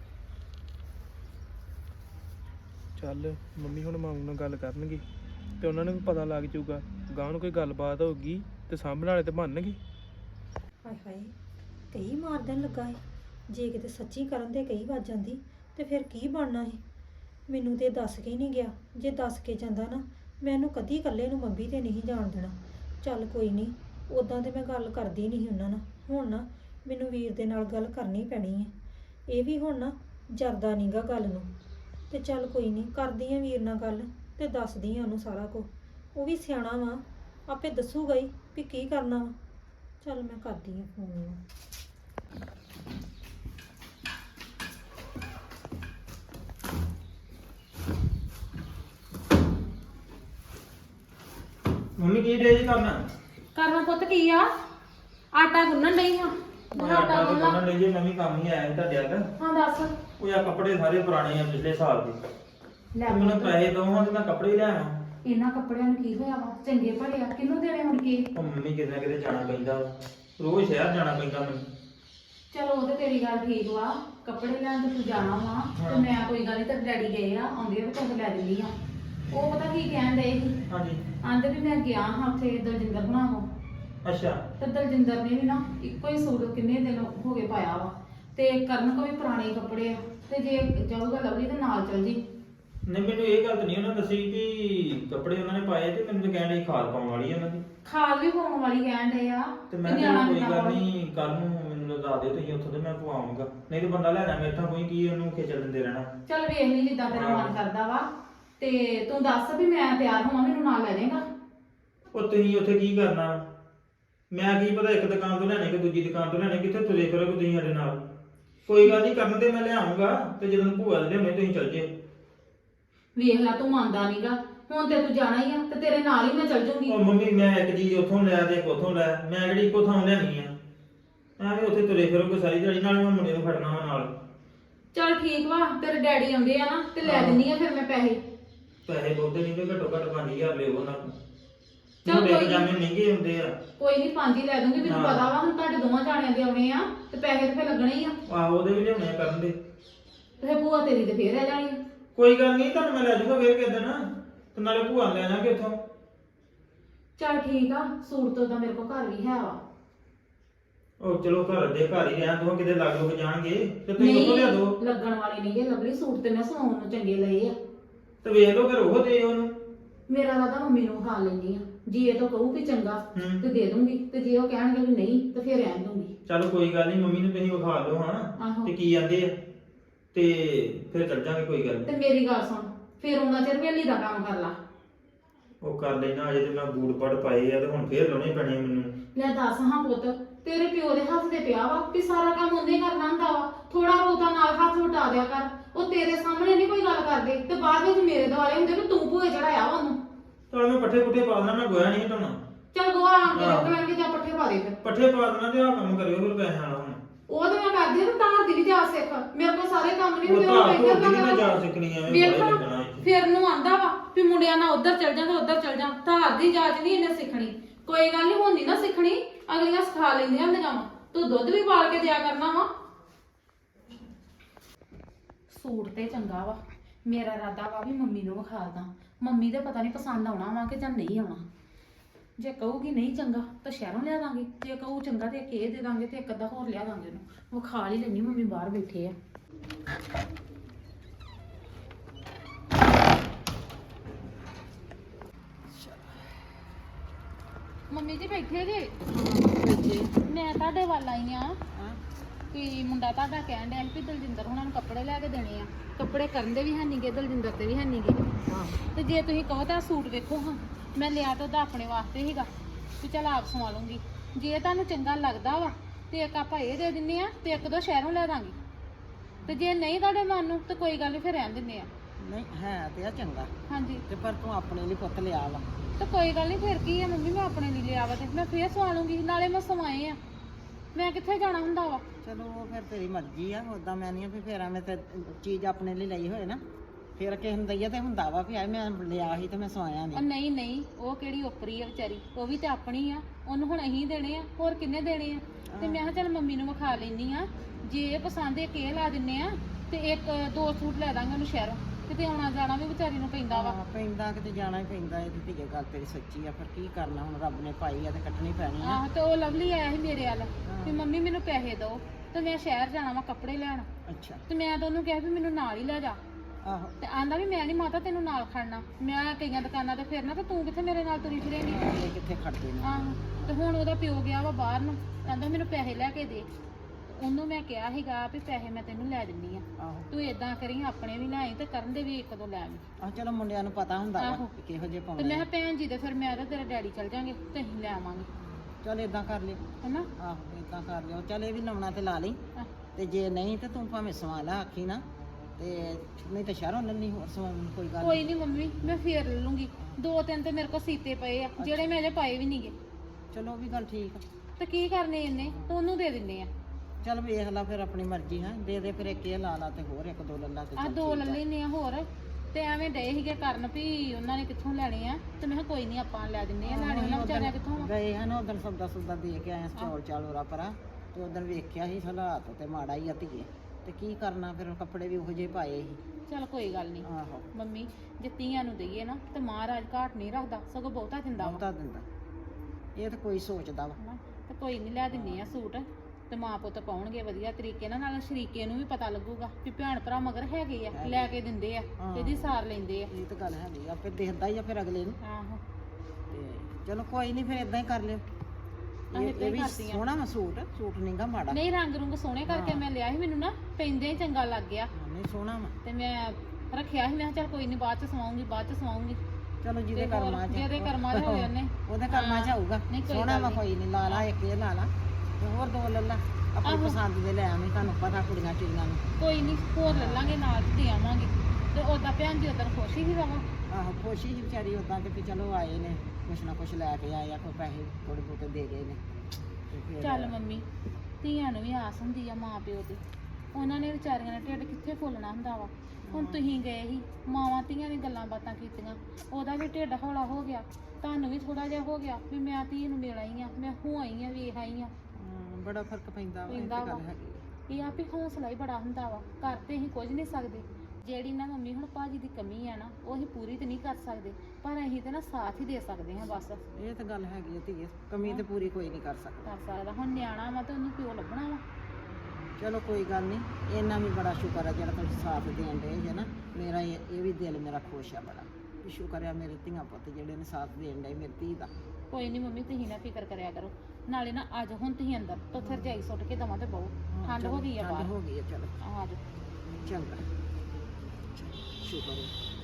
Speaker 2: ਚੱਲ ਮੰਮੀ ਹੁਣ ਮਾਮੂ ਨਾਲ ਗੱਲ ਕਰਨਗੇ ਤੇ ਉਹਨਾਂ ਨੂੰ ਵੀ ਪਤਾ ਲੱਗ ਜਾਊਗਾ, ਗਾਂ ਨੂੰ ਕੋਈ ਗੱਲਬਾਤ ਹੋਊਗੀ ਤੇ ਸਾਂਭਣ ਵਾਲੇ ਤੇ ਬਣਨਗੇ।
Speaker 7: ਹਾਏ ਹਾਏ, ਕਈ ਮਾਰ ਦੇਣ ਲੱਗਾ ਏ। ਜੇ ਕਿਤੇ ਸੱਚੀ ਕਰਨ ਤੇ ਕਈ ਵੱਜ ਜਾਂਦੀ ਤੇ ਫਿਰ ਕੀ ਬਣਨਾ ਏ। ਮੈਨੂੰ ਤੇ ਦੱਸ ਕੇ ਹੀ ਨਹੀਂ ਗਿਆ। ਜੇ ਦੱਸ ਕੇ ਜਾਂਦਾ ਨਾ, ਮੈਂ ਇਹਨੂੰ ਕਦੀ ਇਕੱਲੇ ਨੂੰ ਮੰਬੀ ਤੇ ਨਹੀਂ ਜਾਣ ਦੇਣਾ। ਚੱਲ ਕੋਈ ਨਹੀਂ, ਉਦਾਂ ਤੇ ਮੈਂ ਗੱਲ ਕਰਦੀ ਨਹੀਂ ਉਹਨਾਂ ਨਾਲ। ਹੁਣ ਨਾ ਮੈਨੂੰ ਵੀਰ ਦੇ ਨਾਲ ਗੱਲ ਕਰਨੀ ਪੈਣੀ ਹੈ। ਇਹ ਵੀ ਹੁਣ ਨਾ ਜਰਦਾ ਨਹੀਂਗਾ ਗੱਲ ਨੂੰ। ਤੇ ਚੱਲ ਕੋਈ ਨਹੀਂ, ਕਰਦੀ ਆ ਵੀਰ ਨਾਲ ਗੱਲ ਤੇ ਦੱਸਦੀ ਆ ਉਹਨੂੰ ਸਾਰਾ ਕੁਝ। ਉਹ ਵੀ ਸਿਆਣਾ ਵਾ, ਆਪੇ ਦੱਸੂਗਾ ਹੀ ਵੀ ਕੀ ਕਰਨਾ ਵਾ। ਚੱਲ ਮੈਂ ਕਰਦੀ ਆ ਫੋਨ ਨੂੰ।
Speaker 4: ਮੰਮੀ ਕੀ ਡੇ ਜੀ ਕਰਨਾ?
Speaker 5: ਕਰਨਾ ਪੁੱਤ ਕੀ ਆ? ਆਟਾ ਗੁੰਨਣ ਡਈ ਹਾਂ।
Speaker 4: ਮੈਂ ਆਟਾ ਤੇ ਕੋਣ ਲੈ ਜੇ, ਮੰਮੀ ਕੰਮ ਹੀ ਆਇਆ ਸੀ ਤੁਹਾਡੇ ਵੱਲ।
Speaker 5: ਹਾਂ ਦੱਸ।
Speaker 4: ਉਹ ਆ ਕੱਪੜੇ ਸਾਰੇ ਪੁਰਾਣੇ ਆ ਪਿਛਲੇ ਸਾਲ ਦੇ,
Speaker 5: ਲੈ
Speaker 4: ਤੇ ਮੈਨੂੰ ਪੈਸੇ ਦੋ ਹਾਂ ਤੇ ਮੈਂ ਕੱਪੜੇ ਹੀ ਲੈ ਆਵਾਂ।
Speaker 5: ਇਹਨਾਂ ਕੱਪੜਿਆਂ ਨੂੰ ਕੀ ਹੋਇਆ ਵਾ? ਚੰਗੇ ਭਲੇ ਆ, ਕਿਹਨੂੰ ਦੇਣੇ ਹੁਣ ਕੀ?
Speaker 4: ਉਹ ਮੰਮੀ ਕਿਤੇ ਨਾ ਕਿਤੇ ਜਾਣਾ ਪੈਂਦਾ ਵਾ। ਰੋਜ਼ ਸ਼ਹਿਰ ਜਾਣਾ ਪੈਂਦਾ ਮੈਨੂੰ।
Speaker 5: ਚਲੋ ਉਹ ਤੇ ਤੇਰੀ ਗੱਲ ਠੀਕ ਵਾ, ਕੱਪੜੇ ਲੈਣ ਤੇ ਤੂੰ ਜਾਣਾ ਵਾ ਤੇ
Speaker 4: ਹਾਂ।
Speaker 5: ਮੈਂ ਕੋਈ ਗੱਲ ਨਹੀਂ, ਤੇਰੇ ਡੈਡੀ ਗਏ ਆ, ਆਉਂਦੇ ਆ ਤੇ ਲੈ ਦਿੰਦੀ ਆ। ਉਹ ਪਤਾ ਕੀ ਕਹਿਣ ਡਏ ਸੀ,
Speaker 4: ਹਾਂਜੀ।
Speaker 5: ਆਂਦੇ ਵੀ ਮੈਂ ਗਿਆ ਹਾਂ ਉੱਥੇ ਦਲਜਿੰਦਰ ਬਣਾਵੋ,
Speaker 4: ਅੱਛਾ।
Speaker 5: ਤੇ ਦਲਜਿੰਦਰ ਨੇ ਵੀ ਨਾ ਇੱਕੋ ਹੀ ਸੂਟ ਕਿੰਨੇ ਦਿਨ ਹੋ ਗਏ ਪਾਇਆ ਵਾ, ਤੇ ਕਰਨ ਕੋ ਵੀ ਪੁਰਾਣੇ ਕੱਪੜੇ ਆ, ਤੇ ਜੇ ਜਾਊਗਾ ਲਵਲੀ ਤੇ ਨਾਲ ਚੱਲ ਜੀ।
Speaker 4: ਨਹੀਂ ਮੈਨੂੰ ਇਹ ਗੱਲ ਤਾਂ ਨਹੀਂ ਉਹਨਾਂ ਦੱਸੀ ਕਿ ਕੱਪੜੇ ਉਹਨਾਂ ਨੇ ਪਾਏ, ਤੇ ਮੈਨੂੰ ਤਾਂ ਕਹਿਣ ਡਈ ਖਾਦ ਪਾਉਣ ਵਾਲੀ ਆ ਉਹਨਾਂ ਦੀ।
Speaker 5: ਖਾਦ ਵੀ ਪਾਉਣ ਵਾਲੀ ਕਹਿਣ ਡਏ ਆ।
Speaker 4: ਤੇ ਮੈਂ
Speaker 5: ਵੀ
Speaker 4: ਕਿਹਾ
Speaker 5: ਨਿਆਣਾ
Speaker 4: ਕੋਈ
Speaker 5: ਕਿੰਨਾ
Speaker 4: ਗੱਲ
Speaker 5: ਪਾਉਣਾ।
Speaker 4: ਨਹੀਂ, ਕੱਲ ਨੂੰ ਮੈਨੂੰ ਦੱਸ ਦਿਓ ਤੁਸੀਂ ਉੱਥੋਂ ਤੇ ਮੈਂ ਪਵਾਉਂਗਾ, ਨਹੀਂ ਤੇ ਬੰਦਾ ਲੈ ਜਾਵਾਂਗੇ ਇੱਥੋਂ, ਕੋਈ ਕੀ ਉਹਨੂੰ ਖੇਚਲ ਦਿੰਦੇ ਰਹਿਣਾ।
Speaker 5: ਚੱਲ ਵੇਖ ਲਈ ਜਿੱਦਾਂ ਤੇਰਾ ਮਨ ਕਰਦਾ ਵਾ, ਤੇ ਤੂੰ ਦੱਸ ਵੀ ਮੈਂ ਤਿਆਰ ਹੋਵਾਂ, ਮੈਨੂੰ ਨਾਲ ਲੈ ਜਾਏਗਾ।
Speaker 4: ਉਹ ਤੁਸੀਂ ਉੱਥੇ ਕੀ ਕਰਨਾ? ਮੈਂ ਕੀ ਪਤਾ ਇੱਕ ਦੁਕਾਨ ਤੋਂ ਲੈਣੇ ਕਿ ਦੂਜੀ ਦੁਕਾਨ ਤੋਂ ਲੈਣੇ, ਕਿੱਥੇ ਤੁਰੇ ਫਿਰੋਗੇ ਤੁਸੀਂ ਸਾਡੇ ਨਾਲ। ਕੋਈ ਗੱਲ ਨਹੀਂ, ਕਰਨ ਤੇ ਮੈਂ ਲਿਆਉਂਗਾ, ਤੇ ਜਦੋਂ ਭੂਆ ਦੇ ਲਿਆਉਣੇ ਤੁਸੀਂ ਚੱਲ ਜਿਓ।
Speaker 5: ਵੇਖ ਲਾ ਤੂੰ ਮੰਨਦਾ ਨਹੀਂਗਾ, ਹੁਣ ਤੇ ਤੂੰ ਜਾਣਾ ਹੀ ਆ, ਤੇ ਤੇਰੇ ਨਾਲ ਹੀ ਮੈਂ ਚੱਲ ਜੂੰਗੀ।
Speaker 4: ਉਹ ਮੰਮੀ ਮੈਂ ਇੱਕ ਚੀਜ਼ ਉੱਥੋਂ ਲਿਆ ਤੇ ਇੱਕ ਉੱਥੋਂ ਲਿਆ, ਮੈਂ ਕਿਹੜੀ ਇੱਕੋ ਥਾਂ ਲਿਆਣੀ ਆ? ਐਵੇਂ ਉੱਥੇ ਤੁਰੇ ਫਿਰੋਗੇ ਸਾਰੀ ਦਿਹਾੜੀ, ਨਾਲ ਮੈਂ ਮੁੰਡੇ ਨੂੰ ਖੜਨਾ ਵਾ ਨਾਲ।
Speaker 5: ਚੱਲ ਠੀਕ ਵਾ, ਤੇਰੇ ਡੈਡੀ ਆਉਂਦੇ ਆ ਨਾ ਤੇ ਲੈ ਦਿੰਨੀ ਆ ਫਿਰ ਮੈਂ ਪੈਸੇ।
Speaker 4: ਪੈਸੇ ਬਹੁਤੇ ਨਹੀਂ, ਤੇ ਘੱਟੋ ਘੱਟ 5000 ਲਿਓ ਉਹਨਾਂ ਕੋਲ।
Speaker 5: ਚੱਲ
Speaker 4: ਮੁੰਡੇ
Speaker 5: ਕੋਈ
Speaker 4: ਪਜਾਮੇ ਮਹਿੰਗੇ ਹੁੰਦੇ ਆ।
Speaker 5: ਕੋਈ ਨਹੀਂ 5 ਹੀ ਲੈ ਦੂੰਗੀ, ਮੈਨੂੰ
Speaker 4: ਹਾਂ।
Speaker 5: ਪਤਾ ਵਾ ਹੁਣ ਤੁਹਾਡੇ ਦੋਵਾਂ ਜਾਣਿਆਂ ਦੇ ਆਉਣੇ ਆ, ਤੇ ਪੈਸੇ ਤੇ ਫਿਰ ਲੱਗਣੇ ਹੀ ਆ।
Speaker 4: ਆਹੋ ਉਹਦੇ ਵੀ ਲਿਆਉਣੇ ਆ ਕਰਨ ਦੇ।
Speaker 5: ਤੇ ਫਿਰ ਭੂਆ ਤੇਰੀ ਤੇ ਫੇਰ ਰਹਿ ਜਾਣੀ ਆ।
Speaker 4: ਕੋਈ ਗੱਲ ਨਹੀਂ, ਤੁਹਾਨੂੰ ਮੈਂ ਲੈ ਜਾਊਗਾ ਫੇਰ ਕਿਸ ਦਿਨ, ਤੇ ਨਾਲੇ ਭੂਆ ਨੂੰ ਲੈ ਜਾਵਾਂਗੇ ਉੱਥੋਂ।
Speaker 5: ਚੱਲ ਠੀਕ ਆ, ਸੂਟ ਤੋਂ ਤਾਂ ਮੇਰੇ ਕੋਲ ਘਰ ਵੀ ਹੈ ਵਾ।
Speaker 4: ਉਹ ਚਲੋ ਘਰ ਦੇ ਘਰ ਹੀ ਰਹਿਣ ਦੋ, ਕਿਤੇ ਲੱਗ ਲੋਕ ਜਾਣਗੇ ਤੇ ਤੁਸੀਂ ਉੱਥੋਂ ਲਿਆ ਦੋ।
Speaker 5: ਲੱਗਣ ਵਾਲੇ ਨਹੀਂ ਗੇ ਲਵਲੀ, ਸੂਟ ਤੇ ਮੈਂ ਸਵਾਉਣ ਨੂੰ ਚੰਗੇ ਲਏ ਆ।
Speaker 4: ਤੇ ਵੇਖ ਲਓ ਫਿਰ ਉਹ ਦੇ ਉਹਨੂੰ।
Speaker 5: ਮੇਰਾ ਰਾਦਾ ਮੰਮੀ ਨੂੰ ਖਾ ਲੈਂਦੀ ਆ, ਜੇ ਇਹ ਤਾਂ ਕਹੂ ਵੀ ਚੰਗਾ
Speaker 4: ਹੂੰ।
Speaker 5: ਤੇ ਦੇ ਦੂੰਗੀ, ਤੇ ਜੇ ਉਹ ਕਹਿਣਗੇ ਵੀ ਨਹੀਂ ਤੇ ਫਿਰ ਰਹਿਣ ਦੂੰਗੀ।
Speaker 4: ਚਲੋ ਕੋਈ ਗੱਲ ਨਹੀਂ, ਮੰਮੀ ਨੂੰ ਤੁਸੀਂ ਵਿਖਾ ਲਓ ਹਾਂ,
Speaker 5: ਆਹੋ।
Speaker 4: ਤੇ ਕੀ ਆਂਦੇ ਆ, ਤੇ ਫਿਰ ਚੱਲ ਜਾਾਂਗੇ, ਕੋਈ ਗੱਲ
Speaker 5: ਤੇ
Speaker 4: ਨਹੀਂ।
Speaker 5: ਮੇਰੀ ਗੱਲ ਸੁਣ, ਫਿਰ ਉਹਨਾਂ ਚਿਰ ਵੇਲੀ ਦਾ ਕੰਮ ਕਰ ਲਾ।
Speaker 4: ਉਹ ਕਰ ਲੈਣਾ, ਅਜੇ ਤੇ ਮੈਂ ਬੂਟ ਪੜ ਪਾਏ ਆ, ਤੇ ਹੁਣ ਫੇਰ ਲਾਉਣੇ ਪੈਣੇ ਮੈਨੂੰ।
Speaker 5: ਲੈ ਦੱਸ ਹਾਂ ਪੁੱਤ, ਤੇਰੇ ਪਿਓ ਦੇ ਹੱਥ ਤੇ ਪਿਆ ਵਾ ਵੀ ਸਾਰਾ ਕੰਮ ਉਹਨੇ ਕਰਨਾ ਹੁੰਦਾ ਵਾ, ਥੋੜਾ ਬਹੁਤਾ ਨਾਲ ਹੱਥ ਵਟਾ ਦਿਆ ਕਰ। ਉਹ ਤੇਰੇ ਸਾਹਮਣੇ ਨਹੀਂ ਕੋਈ ਗੱਲ ਕਰਦੇ, ਤੇ ਬਾਅਦ ਵਿੱਚ ਮੇਰੇ ਦੁਆਲੇ ਹੁੰਦੇ ਵੀ ਤੂੰ ਭੂਏ ਚੜਾਇਆ ਵਾ ਉਹਨੂੰ।
Speaker 4: ਚਲ ਮੈਂ ਪੱਠੇ ਪੁੱਠੇ ਪਾ ਦੇਣਾ, ਮੈਂ ਗੋਇਆ ਨਹੀਂ ਹਟਾਉਣਾ।
Speaker 5: ਚੱਲ ਗੋਆ ਆਣ ਕੇ
Speaker 4: ਹਾਂ।
Speaker 5: ਰੁਕ ਲੈਣਗੇ ਜਾਂ ਪੱਠੇ ਪਾ ਦੇ ਫਿਰ।
Speaker 4: ਪੱਠੇ ਪਾ ਦੇਣਾ ਤੇ ਆਹ ਕੰਮ ਕਰਿਓ ਫਿਰ ਪੈਸੇ ਵਾਲਾ ਹੁਣ।
Speaker 5: ਉਹ ਤੇ ਮੈਂ ਕਰਦੀ ਆ, ਤੇ ਤਾਰ ਦੀ ਵੀ ਜਾ ਸਿੱਖ, ਮੇਰੇ ਕੋਲ ਸਾਰੇ ਕੰਮ ਨਹੀਂ
Speaker 4: ਉਹ
Speaker 5: ਹੁੰਦੇ।
Speaker 4: ਤਾਂ
Speaker 5: ਮੈਂ
Speaker 4: ਧੋਤੀ ਵੀ ਨਾ ਜਾ ਸਿੱਖਣੀ ਐਵੇਂ
Speaker 5: ਵੇਖ
Speaker 4: ਬੜਾ ਲੱਗਣਾ ਇੱਥੇ।
Speaker 5: ਫਿਰ ਨੂੰ ਆਂਦਾ ਵਾ ਵੀ ਮੁੰਡਿਆਂ ਨਾਲ ਉੱਧਰ ਚੱਲ ਜਾ ਤੇ ਉੱਧਰ ਚੱਲ ਜਾ, ਧਾਰ ਦੀ ਜਾਚ ਨਹੀਂ ਇਹਨੇ ਸਿੱਖਣੀ। ਕੋਈ ਗੱਲ ਨਹੀਂ, ਹੁੰਦੀ ਨਾ ਸਿੱਖਣੀ, ਅਗਲੀਆਂ ਸਿਖਾ ਲੈਂਦੀਆਂ ਹੁੰਦੀਆਂ ਵਾ। ਤੂੰ ਦੁੱਧ ਵੀ ਬਾਲ ਕੇ ਦਿਆ ਕਰਨਾ ਵਾ। ਸੂਟ ਤੇ ਚੰਗਾ ਵਾ, ਮੇਰਾ ਇਰਾਦਾ ਵਾ ਵੀ ਮੰਮੀ ਨੂੰ ਵਿਖਾ ਦਾਂ। ਮੰਮੀ ਦੇ ਪਤਾ ਨਹੀਂ ਪਸੰਦ ਆਉਣਾ ਵਾ ਕਿ ਜਾਂ ਨਹੀਂ ਆਉਣਾ। ਜੇ ਕਹੂਗੀ ਨਹੀਂ ਚੰਗਾ ਤਾਂ ਸ਼ਹਿਰੋਂ ਲਿਆ ਦਾਂਗੇ, ਜੇ ਕਹੂ ਚੰਗਾ ਤੇ ਇੱਕ ਇਹ ਦੇ ਦਾਂਗੇ ਤੇ ਇੱਕ ਅੱਧਾ ਹੋਰ ਲਿਆ ਦਾਂਗੇ ਉਹਨੂੰ। ਵਿਖਾ ਲਈ ਲੈਣੀ, ਮੰਮੀ ਬਾਹਰ ਬੈਠੇ ਆ। ਮੰਮੀ ਜੀ ਬੈਠੇ ਜੇ? ਮੈਂ ਤੁਹਾਡੇ ਵੱਲ ਆਈ ਆ ਕਿ ਮੁੰਡਾ ਤੁਹਾਡਾ ਕਹਿਣ ਡਿਆ ਸੀ ਕਿ ਦਲਜਿੰਦਰ ਹੁਣਾਂ ਨੂੰ ਕੱਪੜੇ ਲੈ ਕੇ ਦੇਣੇ ਆ। ਕੱਪੜੇ ਕਰਨ ਦੇ ਵੀ ਹੈ ਨਹੀਂਗੇ, ਦਲਜਿੰਦਰ ਤੇ ਵੀ ਹੈ ਨਹੀਂਗੇ। ਤੇ ਜੇ ਤੁਸੀਂ ਕਹੋ ਤਾਂ ਸੂਟ ਵੇਖੋ ਹਾਂ, ਮੈਂ ਲਿਆ ਤਾਂ ਉਹਦਾ ਆਪਣੇ ਵਾਸਤੇ ਹੀਗਾ ਵੀ ਚਲ ਆਪ ਸਵਾ ਲੂੰਗੀ। ਜੇ ਤੁਹਾਨੂੰ ਚੰਗਾ ਲੱਗਦਾ ਵਾ ਤੇ ਇੱਕ ਆਪਾਂ ਇਹ ਦੇ ਦਿੰਨੇ ਆ, ਤੇ ਇੱਕ ਦੋ ਸ਼ਹਿਰੋਂ ਲੈ ਦਾਂਗੇ। ਤੇ ਜੇ ਨਹੀਂ ਤੁਹਾਡੇ ਮਨ ਨੂੰ ਤਾਂ ਕੋਈ ਗੱਲ ਨਹੀਂ, ਫਿਰ ਰਹਿਣ ਦਿੰਨੇ ਆ।
Speaker 8: ਨਹੀਂ ਹੈ ਤੇ ਆ ਚੰਗਾ
Speaker 5: ਹਾਂਜੀ
Speaker 8: ਤੇ ਪਰ ਤੂੰ ਆਪਣੇ ਲਈ ਪੁੱਤ ਲਿਆ ਵਾ
Speaker 5: ਤੇ ਕੋਈ ਗੱਲ ਨਹੀਂ ਫਿਰ ਕੀ ਆ ਮੰਮੀ, ਮੈਂ ਆਪਣੇ ਲਈ ਲਿਆ ਵਾ ਤੇ ਮੈਂ ਫੇਰ ਸਵਾ ਲੂੰਗੀ, ਨਾਲੇ ਮੈਂ ਸਵਾਏ ਆ, ਮੈਂ ਕਿੱਥੇ ਜਾਣਾ ਹੁੰਦਾ ਵਾ।
Speaker 8: ਚਲੋ ਉਹ ਫਿਰ ਤੇਰੀ ਮਰਜ਼ੀ ਆ, ਉਦਾਂ ਮੈਂ ਨਹੀਂ ਵੀ ਫੇਰ ਐਵੇਂ ਤੇ ਚੀਜ਼ ਆਪਣੇ ਲਈ ਲਈ ਹੋਏ ਨਾ, ਫਿਰ ਕਿਸੇ ਨੂੰ ਦਈਏ ਤੇ ਹੁੰਦਾ ਵਾ ਵੀ ਆਏ ਮੈਂ ਲਿਆ ਸੀ ਤੇ ਮੈਂ ਸਵਾਇਆ
Speaker 5: ਉਹ
Speaker 8: ਨਹੀਂ।
Speaker 5: ਨਹੀਂ ਨਹੀਂ, ਉਹ ਕਿਹੜੀ ਓਪਰੀ ਆ ਵਿਚਾਰੀ, ਉਹ ਵੀ ਤੇ ਆਪਣੀ ਆ, ਉਹਨੂੰ ਹੁਣ ਅਸੀਂ ਦੇਣੇ ਆ, ਹੋਰ ਕਿੰਨੇ ਦੇਣੇ ਆ। ਤੇ ਮੈਂ ਕਿਹਾ ਚੱਲ ਮੰਮੀ ਨੂੰ ਵਿਖਾ ਲੈਣੀ ਆ, ਜੇ ਇਹ ਪਸੰਦ ਇੱਕ ਇਹ ਲਾ ਦਿੰਨੇ ਆ ਤੇ ਇੱਕ ਦੋ ਸੂਟ ਲੈ ਦਾਂਗੇ ਉਹਨੂੰ ਸ਼ਹਿਰੋਂ, ਕਿਤੇ ਆਉਣਾ ਜਾਣਾ ਵੀ ਵਿਚਾਰੀ ਨੂੰ ਪੈਂਦਾ ਵਾ।
Speaker 8: ਹਾਂ, ਪੈਂਦਾ ਕਿਤੇ ਜਾਣਾ ਹੀ ਪੈਂਦਾ, ਇਹਦੀ ਧੀਏ ਗੱਲ ਤੇਰੀ ਸੱਚੀ ਆ, ਫਿਰ ਕੀ ਕਰਨਾ ਹੁਣ, ਰੱਬ ਨੇ ਪਾਈ ਆ ਤੇ ਕੱਟਣੀ ਪੈਣੀ ਆ।
Speaker 5: ਆਹ ਤੇ ਉਹ ਲਵਲੀ ਆਇਆ ਸੀ ਮੇਰੇ ਵੱਲ ਵੀ ਮੰਮੀ ਮੈਨੂੰ ਪੈਸੇ ਦਿਓ, ਤੇ ਮੈਂ ਸ਼ਹਿਰ ਜਾਣਾ ਵਾ ਕੱਪੜੇ ਲੈਣ,
Speaker 8: ਅੱਛਾ
Speaker 5: ਤੇ ਮੈਂ ਤਾਂ ਉਹਨੂੰ ਕਿਹਾ ਵੀ ਮੈਨੂੰ ਨਾਲ ਹੀ ਲੈ ਜਾ,
Speaker 8: ਆਹੋ
Speaker 5: ਤੇ ਆਂਦਾ ਵੀ ਮੈਂ ਨਹੀਂ ਮਾਤਾ ਤੈਨੂੰ ਨਾਲ ਖੜਨਾ, ਮੈਂ ਕਈਆਂ ਦੁਕਾਨਾਂ ਤੇ ਫਿਰਨਾ ਤੇ ਤੂੰ ਕਿੱਥੇ ਮੇਰੇ ਨਾਲ ਤੁਰੀ ਫਿਰੇਂਗੀ।
Speaker 8: ਇਹ ਕਿੱਥੇ ਖੜਦੇ ਨੇ।
Speaker 5: ਆਹੋ ਤੇ ਹੁਣ ਉਹਦਾ ਪਿਓ ਗਿਆ ਵਾ ਬਾਹਰ ਨੂੰ, ਕਹਿੰਦਾ ਮੈਨੂੰ ਪੈਸੇ ਲੈ ਕੇ ਦੇ, ਉਹਨੂੰ ਮੈਂ ਕਿਹਾ ਸੀਗਾ ਵੀ ਪੈਸੇ ਮੈਂ ਤੈਨੂੰ ਲੈ ਦਿੰਨੀ ਆ,
Speaker 8: ਆਹੋ
Speaker 5: ਤੂੰ ਏਦਾਂ ਕਰੀ ਆਪਣੇ ਵੀ ਲੈ ਆਈ ਤੇ ਕਰਨ ਦੇ ਵੀ ਇੱਕ ਦੋ ਲੈ ਆਵੀਂ।
Speaker 8: ਆਹ ਚਲੋ ਮੁੰਡਿਆਂ ਨੂੰ ਪਤਾ ਹੁੰਦਾ ਵਾ
Speaker 5: ਆਹੋ।
Speaker 8: ਕਿ ਕਿਹੋ ਜਿਹੇ
Speaker 5: ਤੇ
Speaker 8: ਪਾਉਣੇ
Speaker 5: ਮੈਂ
Speaker 8: ਆ।
Speaker 5: ਕਿਹਾ ਭੈਣ ਜੀ ਦੇ ਫਿਰ ਮੈਂ ਤੇ ਤੇਰਾ ਡੈਡੀ ਚੱਲ ਜਾਾਂਗੇ ਤੇ ਅਸੀਂ ਲੈ ਆਵਾਂਗੇ,
Speaker 8: ਚੱਲ ਏਦਾਂ ਕਰ ਲਿਓ,
Speaker 5: ਹਨਾ।
Speaker 8: ਆਹੋ ਏਦਾਂ ਕਰ ਲਿਓ, ਚੱਲ ਇਹ ਵੀ ਲਾਉਣਾ ਤੇ ਲਾ ਲਈ,
Speaker 5: ਆਹ,
Speaker 8: ਤੇ ਜੇ ਨਹੀਂ ਤੇ ਤੂੰ ਭਾਵੇਂ ਸਵਾ ਲਾ ਆਖੀ ਨਾ, ਤੇ ਨਹੀਂ ਤਾਂ ਸ਼ਹਿਰੋਂ ਲੈਣੀ ਹੋਰ ਸਵਾਉਣ ਕੋਈ ਗੱਲ
Speaker 5: ਕੋਈ ਨਹੀਂ ਮੰਮੀ, ਮੈਂ ਫੇਰ ਲੈ ਲੂੰਗੀ, ਦੋ ਤਿੰਨ ਤੇ ਮੇਰੇ ਕੋਲ ਸੀਤੇ ਪਏ ਆ ਜਿਹੜੇ ਮੈਂ ਅਜੇ ਪਾਏ ਵੀ ਨਹੀਂਗੇ,
Speaker 8: ਚਲੋ ਉਹ ਵੀ ਗੱਲ ਠੀਕ ਆ।
Speaker 5: ਤੇ ਕੀ ਕਰਨੇ ਇਹਨੇ, ਤੇ ਉਹਨੂੰ ਦੇ ਦਿੰਨੇ ਆ।
Speaker 8: ਚੱਲ ਵੇਖ ਲਾ ਫਿਰ ਆਪਣੀ ਮਰਜ਼ੀ ਹੈ, ਦੇ ਦੇ ਫਿਰ ਇੱਕ ਇਹ ਲਾ ਲਾ ਤੇ ਹੋਰ ਇੱਕ ਦੋ ਲੱਲਾ ਤੇ
Speaker 5: ਆ
Speaker 8: ਚੱਲ
Speaker 5: ਦੋ
Speaker 8: ਠੀਕ
Speaker 5: ਲੈ ਲੈਨੇ ਆ ਹੋਰ, ਤੇ ਐਵੇਂ ਡੇ ਸੀਗੇ ਕਰਨ ਵੀ ਉਹਨਾਂ ਨੇ ਕਿੱਥੋਂ ਲੈਣੇ ਆ, ਤੇ ਮੈਂ ਕਿਹਾ ਕੋਈ ਨਹੀਂ ਆਪਾਂ ਲੈ ਦਿੰਨੇ ਆ, ਲੈਣੇ ਉਹਨਾਂ ਵਿਚਾਰਿਆਂ ਕਿੱਥੋਂ ਆ।
Speaker 8: ਗਏ ਹਨ ਉਦੋਂ ਸੌਦਾ ਸੁਦਾ ਦੇ ਕੇ ਆਏ ਚੌਲ ਚਾਲ ਹੋਰਾ ਪਰਾ, ਤੇ ਉਦੋਂ ਵੇਖਿਆ ਸੀ ਹਾਲਾਤ ਤੇ ਮਾੜਾ ਹੀ ਆ ਧੀਏ, ਤੇ ਕੀ ਕਰਨਾ ਫਿਰ ਕੱਪੜੇ ਵੀ ਉਹੋ ਜਿਹੇ ਪਾਏ ਸੀ।
Speaker 5: ਚਲ ਕੋਈ ਗੱਲ ਨਹੀਂ
Speaker 8: ਆਹੋ
Speaker 5: ਮੰਮੀ, ਜੇ ਧੀਆਂ ਨੂੰ ਦਈਏ ਨਾ ਤੇ ਮਹਾਰਾਜ ਘਾਟ ਨਹੀਂ ਰੱਖਦਾ, ਸਗੋਂ ਬਹੁਤਾ ਦਿੰਦਾ ਵਾ,
Speaker 8: ਬਹੁਤਾ ਦਿੰਦਾ, ਇਹ ਤਾਂ ਕੋਈ ਸੋਚਦਾ ਵਾ।
Speaker 5: ਹਨਾ। ਤੇ ਕੋਈ ਨਹੀਂ ਲੈ ਦਿੰਨੀ ਆ ਸੂਟ, ਤੇ ਮਾਂ ਪੁੱਤ ਪਾਉਣਗੇ ਵਧੀਆ ਤਰੀਕੇ ਨਾਲ ਸ਼ਰੀਕੇ ਨੂੰ ਵੀ ਪਤਾ ਲੱਗੂਗਾ ਵੀ ਭੈਣ ਭਰਾ ਮਗਰ ਹੈਗੇ ਆ, ਲੈ ਕੇ ਦਿੰਦੇ ਆ, ਤੇ ਇਹਦੀ ਸਾਰ ਲੈਂਦੇ ਆ।
Speaker 8: ਇਹ ਤਾਂ ਗੱਲ ਹੈਗੀ ਆ, ਫਿਰ ਦਿਖਦਾ ਹੀ ਆ ਫਿਰ ਅਗਲੇ ਨੂੰ।
Speaker 5: ਆਹੋ
Speaker 8: ਤੇ ਚਲੋ ਕੋਈ ਨਹੀਂ ਫਿਰ ਇਦਾਂ ਹੀ ਕਰ ਲਿਓ।
Speaker 5: ਆਹ ਏਦਾਂ
Speaker 8: ਇਹ
Speaker 5: ਹੀ
Speaker 8: ਵੀ
Speaker 5: ਕਰਦੀ ਆ।
Speaker 8: ਸੋਹਣਾ ਵਾ ਸੂਟ, ਸੂਟ ਨਹੀਂਗਾ ਮਾੜਾ।
Speaker 5: ਨਹੀਂ ਰੰਗ ਰੁੰਗ ਸੋਹਣੇ ਕਰਕੇ ਮੈਂ ਲਿਆ ਸੀ, ਮੈਨੂੰ ਨਾ ਪੈਂਦੇ ਹੀ ਚੰਗਾ ਲੱਗ ਗਿਆ,
Speaker 8: ਨਹੀਂ ਸੋਹਣਾ ਵਾ,
Speaker 5: ਤੇ ਮੈਂ ਰੱਖਿਆ ਸੀ, ਮੈਂ ਕਿਹਾ ਚੱਲ ਕੋਈ ਨਹੀਂ ਬਾਅਦ ਚ ਸਵਾਉਂਗੀ, ਬਾਅਦ ਚ ਸਵਾਉਂਗੀ।
Speaker 8: ਚਲੋ ਜਿਹਦੇ
Speaker 5: ਤੇ ਹੋਰ,
Speaker 8: ਕਰਮਾਂ ਚ
Speaker 5: ਜਿਹਦੇ ਕਰਮਾਂ ਚ ਹੋਏ ਉਹਨੇ।
Speaker 8: ਉਹਦੇ ਕਰਮਾਂ ਚ ਆਊਗਾ।
Speaker 5: ਨਹੀਂ ਕੋਈ
Speaker 8: ਸੋਹਣਾ
Speaker 5: ਗੱਲ
Speaker 8: ਵਾ,
Speaker 5: ਨੀ।
Speaker 8: ਕੋਈ ਨਹੀਂ, ਲਾ ਲਾ ਇੱਕ ਇਹ ਲਾ ਲਾ ਤੇ ਹੋਰ ਦੋ ਲੈ ਲਾ, ਆਪਣੀ
Speaker 5: ਆਹੋ।
Speaker 8: ਪਸੰਦ ਦੇ ਲੈ ਆਵੇਂ, ਤੁਹਾਨੂੰ ਪਤਾ ਕੁੜੀਆਂ ਚਿੜੀਆਂ ਨੂੰ।
Speaker 5: ਕੋਈ ਨਹੀਂ ਹੋਰ ਲੈ ਲਾਂਗੇ ਨਾਲ ਦੇ ਆਵਾਂਗੇ, ਤੇ ਉਹਦਾ ਭੈਣ ਜੀ ਉਦੋਂ ਖੁਸ਼ ਹੀ ਰਵਾ।
Speaker 8: ਆਹੋ ਖੁਸ਼ੀ ਸੀ ਵਿਚਾਰੀ ਉਦਾਂ ਤੇ ਵੀ ਚਲੋ ਆਏ ਨੇ, ਕੁਛ ਨਾ ਕੁਛ ਲੈ ਕੇ ਆਏ ਆ, ਕੋਈ ਪੈਸੇ ਥੋੜੇ ਬਹੁਤੇ ਦੇ ਗਏ ਨੇ ਤੇ ਫਿਰ
Speaker 5: ਚੱਲ ਮੰਮੀ, ਧੀਆਂ ਨੂੰ ਵੀ ਆਸ ਹੁੰਦੀ ਆ ਮਾਂ ਪਿਓ ਦੀ, ਉਹਨਾਂ ਨੇ ਵਿਚਾਰੀਆਂ ਨੇ ਢਿੱਡ ਕਿੱਥੇ ਫੁੱਲਣਾ ਹੁੰਦਾ ਵਾ। ਹੁਣ ਤੁਸੀਂ ਗਏ ਸੀ, ਮਾਵਾਂ ਧੀਆਂ ਨੇ ਗੱਲਾਂ ਬਾਤਾਂ ਕੀਤੀਆਂ, ਉਹਦਾ ਵੀ ਢਿੱਡ ਹੌਲਾ ਹੋ ਗਿਆ, ਤੁਹਾਨੂੰ ਵੀ ਥੋੜਾ ਜਿਹਾ ਹੋ ਗਿਆ ਵੀ ਮੈਂ ਧੀ ਨੂੰ ਮਿਲ ਆਈ ਆ, ਮੈਂ ਹੋ ਆਈ ਆ, ਵੇਖ ਆਈ ਆ।
Speaker 8: ਬੜਾ ਫਰਕ ਪੈਂਦਾ ਵਾ, ਇਹ
Speaker 5: ਪੈਂਦਾ
Speaker 8: ਤਾਂ ਗੱਲ
Speaker 5: ਵਾ।
Speaker 8: ਹੈਗੀ ਆ।
Speaker 5: ਇਹ ਆ ਵੀ ਹੌਸਲਾ ਹੀ ਬੜਾ ਹੁੰਦਾ ਵਾ, ਘਰ ਤੇ ਅਸੀਂ ਕੁਝ ਨਹੀਂ ਸਕਦੇ। ਜਿਹੜੀ ਨਾ ਮੰਮੀ ਹੁਣ ਭਾਜੀ ਦੀ ਕਮੀ ਆ ਨਾ, ਉਹ ਅਸੀਂ ਪੂਰੀ ਤੇ ਨਹੀਂ ਕਰ ਸਕਦੇ, ਪਰ ਅਸੀਂ ਤੇ ਨਾ ਸਾਥ ਹੀ ਦੇ ਸਕਦੇ ਹਾਂ ਬਸ।
Speaker 8: ਇਹ ਤਾਂ ਗੱਲ ਹੈਗੀ ਆ ਧੀਏ, ਕਮੀ ਤੇ ਪੂਰੀ ਕੋਈ ਨਹੀਂ ਕਰ ਸਕਦਾ।
Speaker 5: ਕਰ ਸਕਦਾ, ਹੁਣ ਨਿਆਣਾ ਵਾ ਤੇ ਉਹਨੂੰ ਪਿਓ ਲੱਭਣਾ ਵਾ।
Speaker 8: ਚਲੋ ਕੋਈ ਗੱਲ ਨਹੀਂ, ਇਹਨਾਂ ਵੀ ਬੜਾ ਸ਼ੁਕਰ ਆ ਜਿਹੜਾ ਤੁਸੀਂ ਸਾਥ ਦੇਣ ਦੇ ਜੇ ਨਾ, ਮੇਰਾ ਇਹ ਵੀ ਦਿਲ ਮੇਰਾ ਖੁਸ਼ ਆ ਬੜਾ, ਵੀ ਸ਼ੁਕਰ ਆ ਮੇਰੇ ਧੀਆਂ ਪੁੱਤ ਜਿਹੜੇ ਨੇ ਸਾਥ ਦੇਣ ਦੇ ਮੇਰੀ ਧੀ ਦਾ।
Speaker 5: ਕੋਈ ਨਹੀਂ ਮੰਮੀ, ਤੁਸੀਂ ਨਾ ਫਿਕਰ ਕਰਿਆ ਕਰੋ, ਨਾਲੇ ਨਾ ਅੱਜ ਹੁਣ ਤੁਸੀਂ ਅੰਦਰ ਤੋਂ ਫਿਰ ਜਾਈ ਸੁੱਟ ਕੇ ਦਵਾਂ ਤੇ ਬਹੁ ਠੰਡ ਹੋ ਗਈ ਆ
Speaker 8: ਠੰਡ
Speaker 5: ਬਾਹਰ।
Speaker 8: ਹੋ ਗਈ ਆ, ਚਲੋ
Speaker 5: ਆ ਜਾਓ।
Speaker 8: ਚੰਗਾ, ਸ਼ੁਕਰ ਹੈ।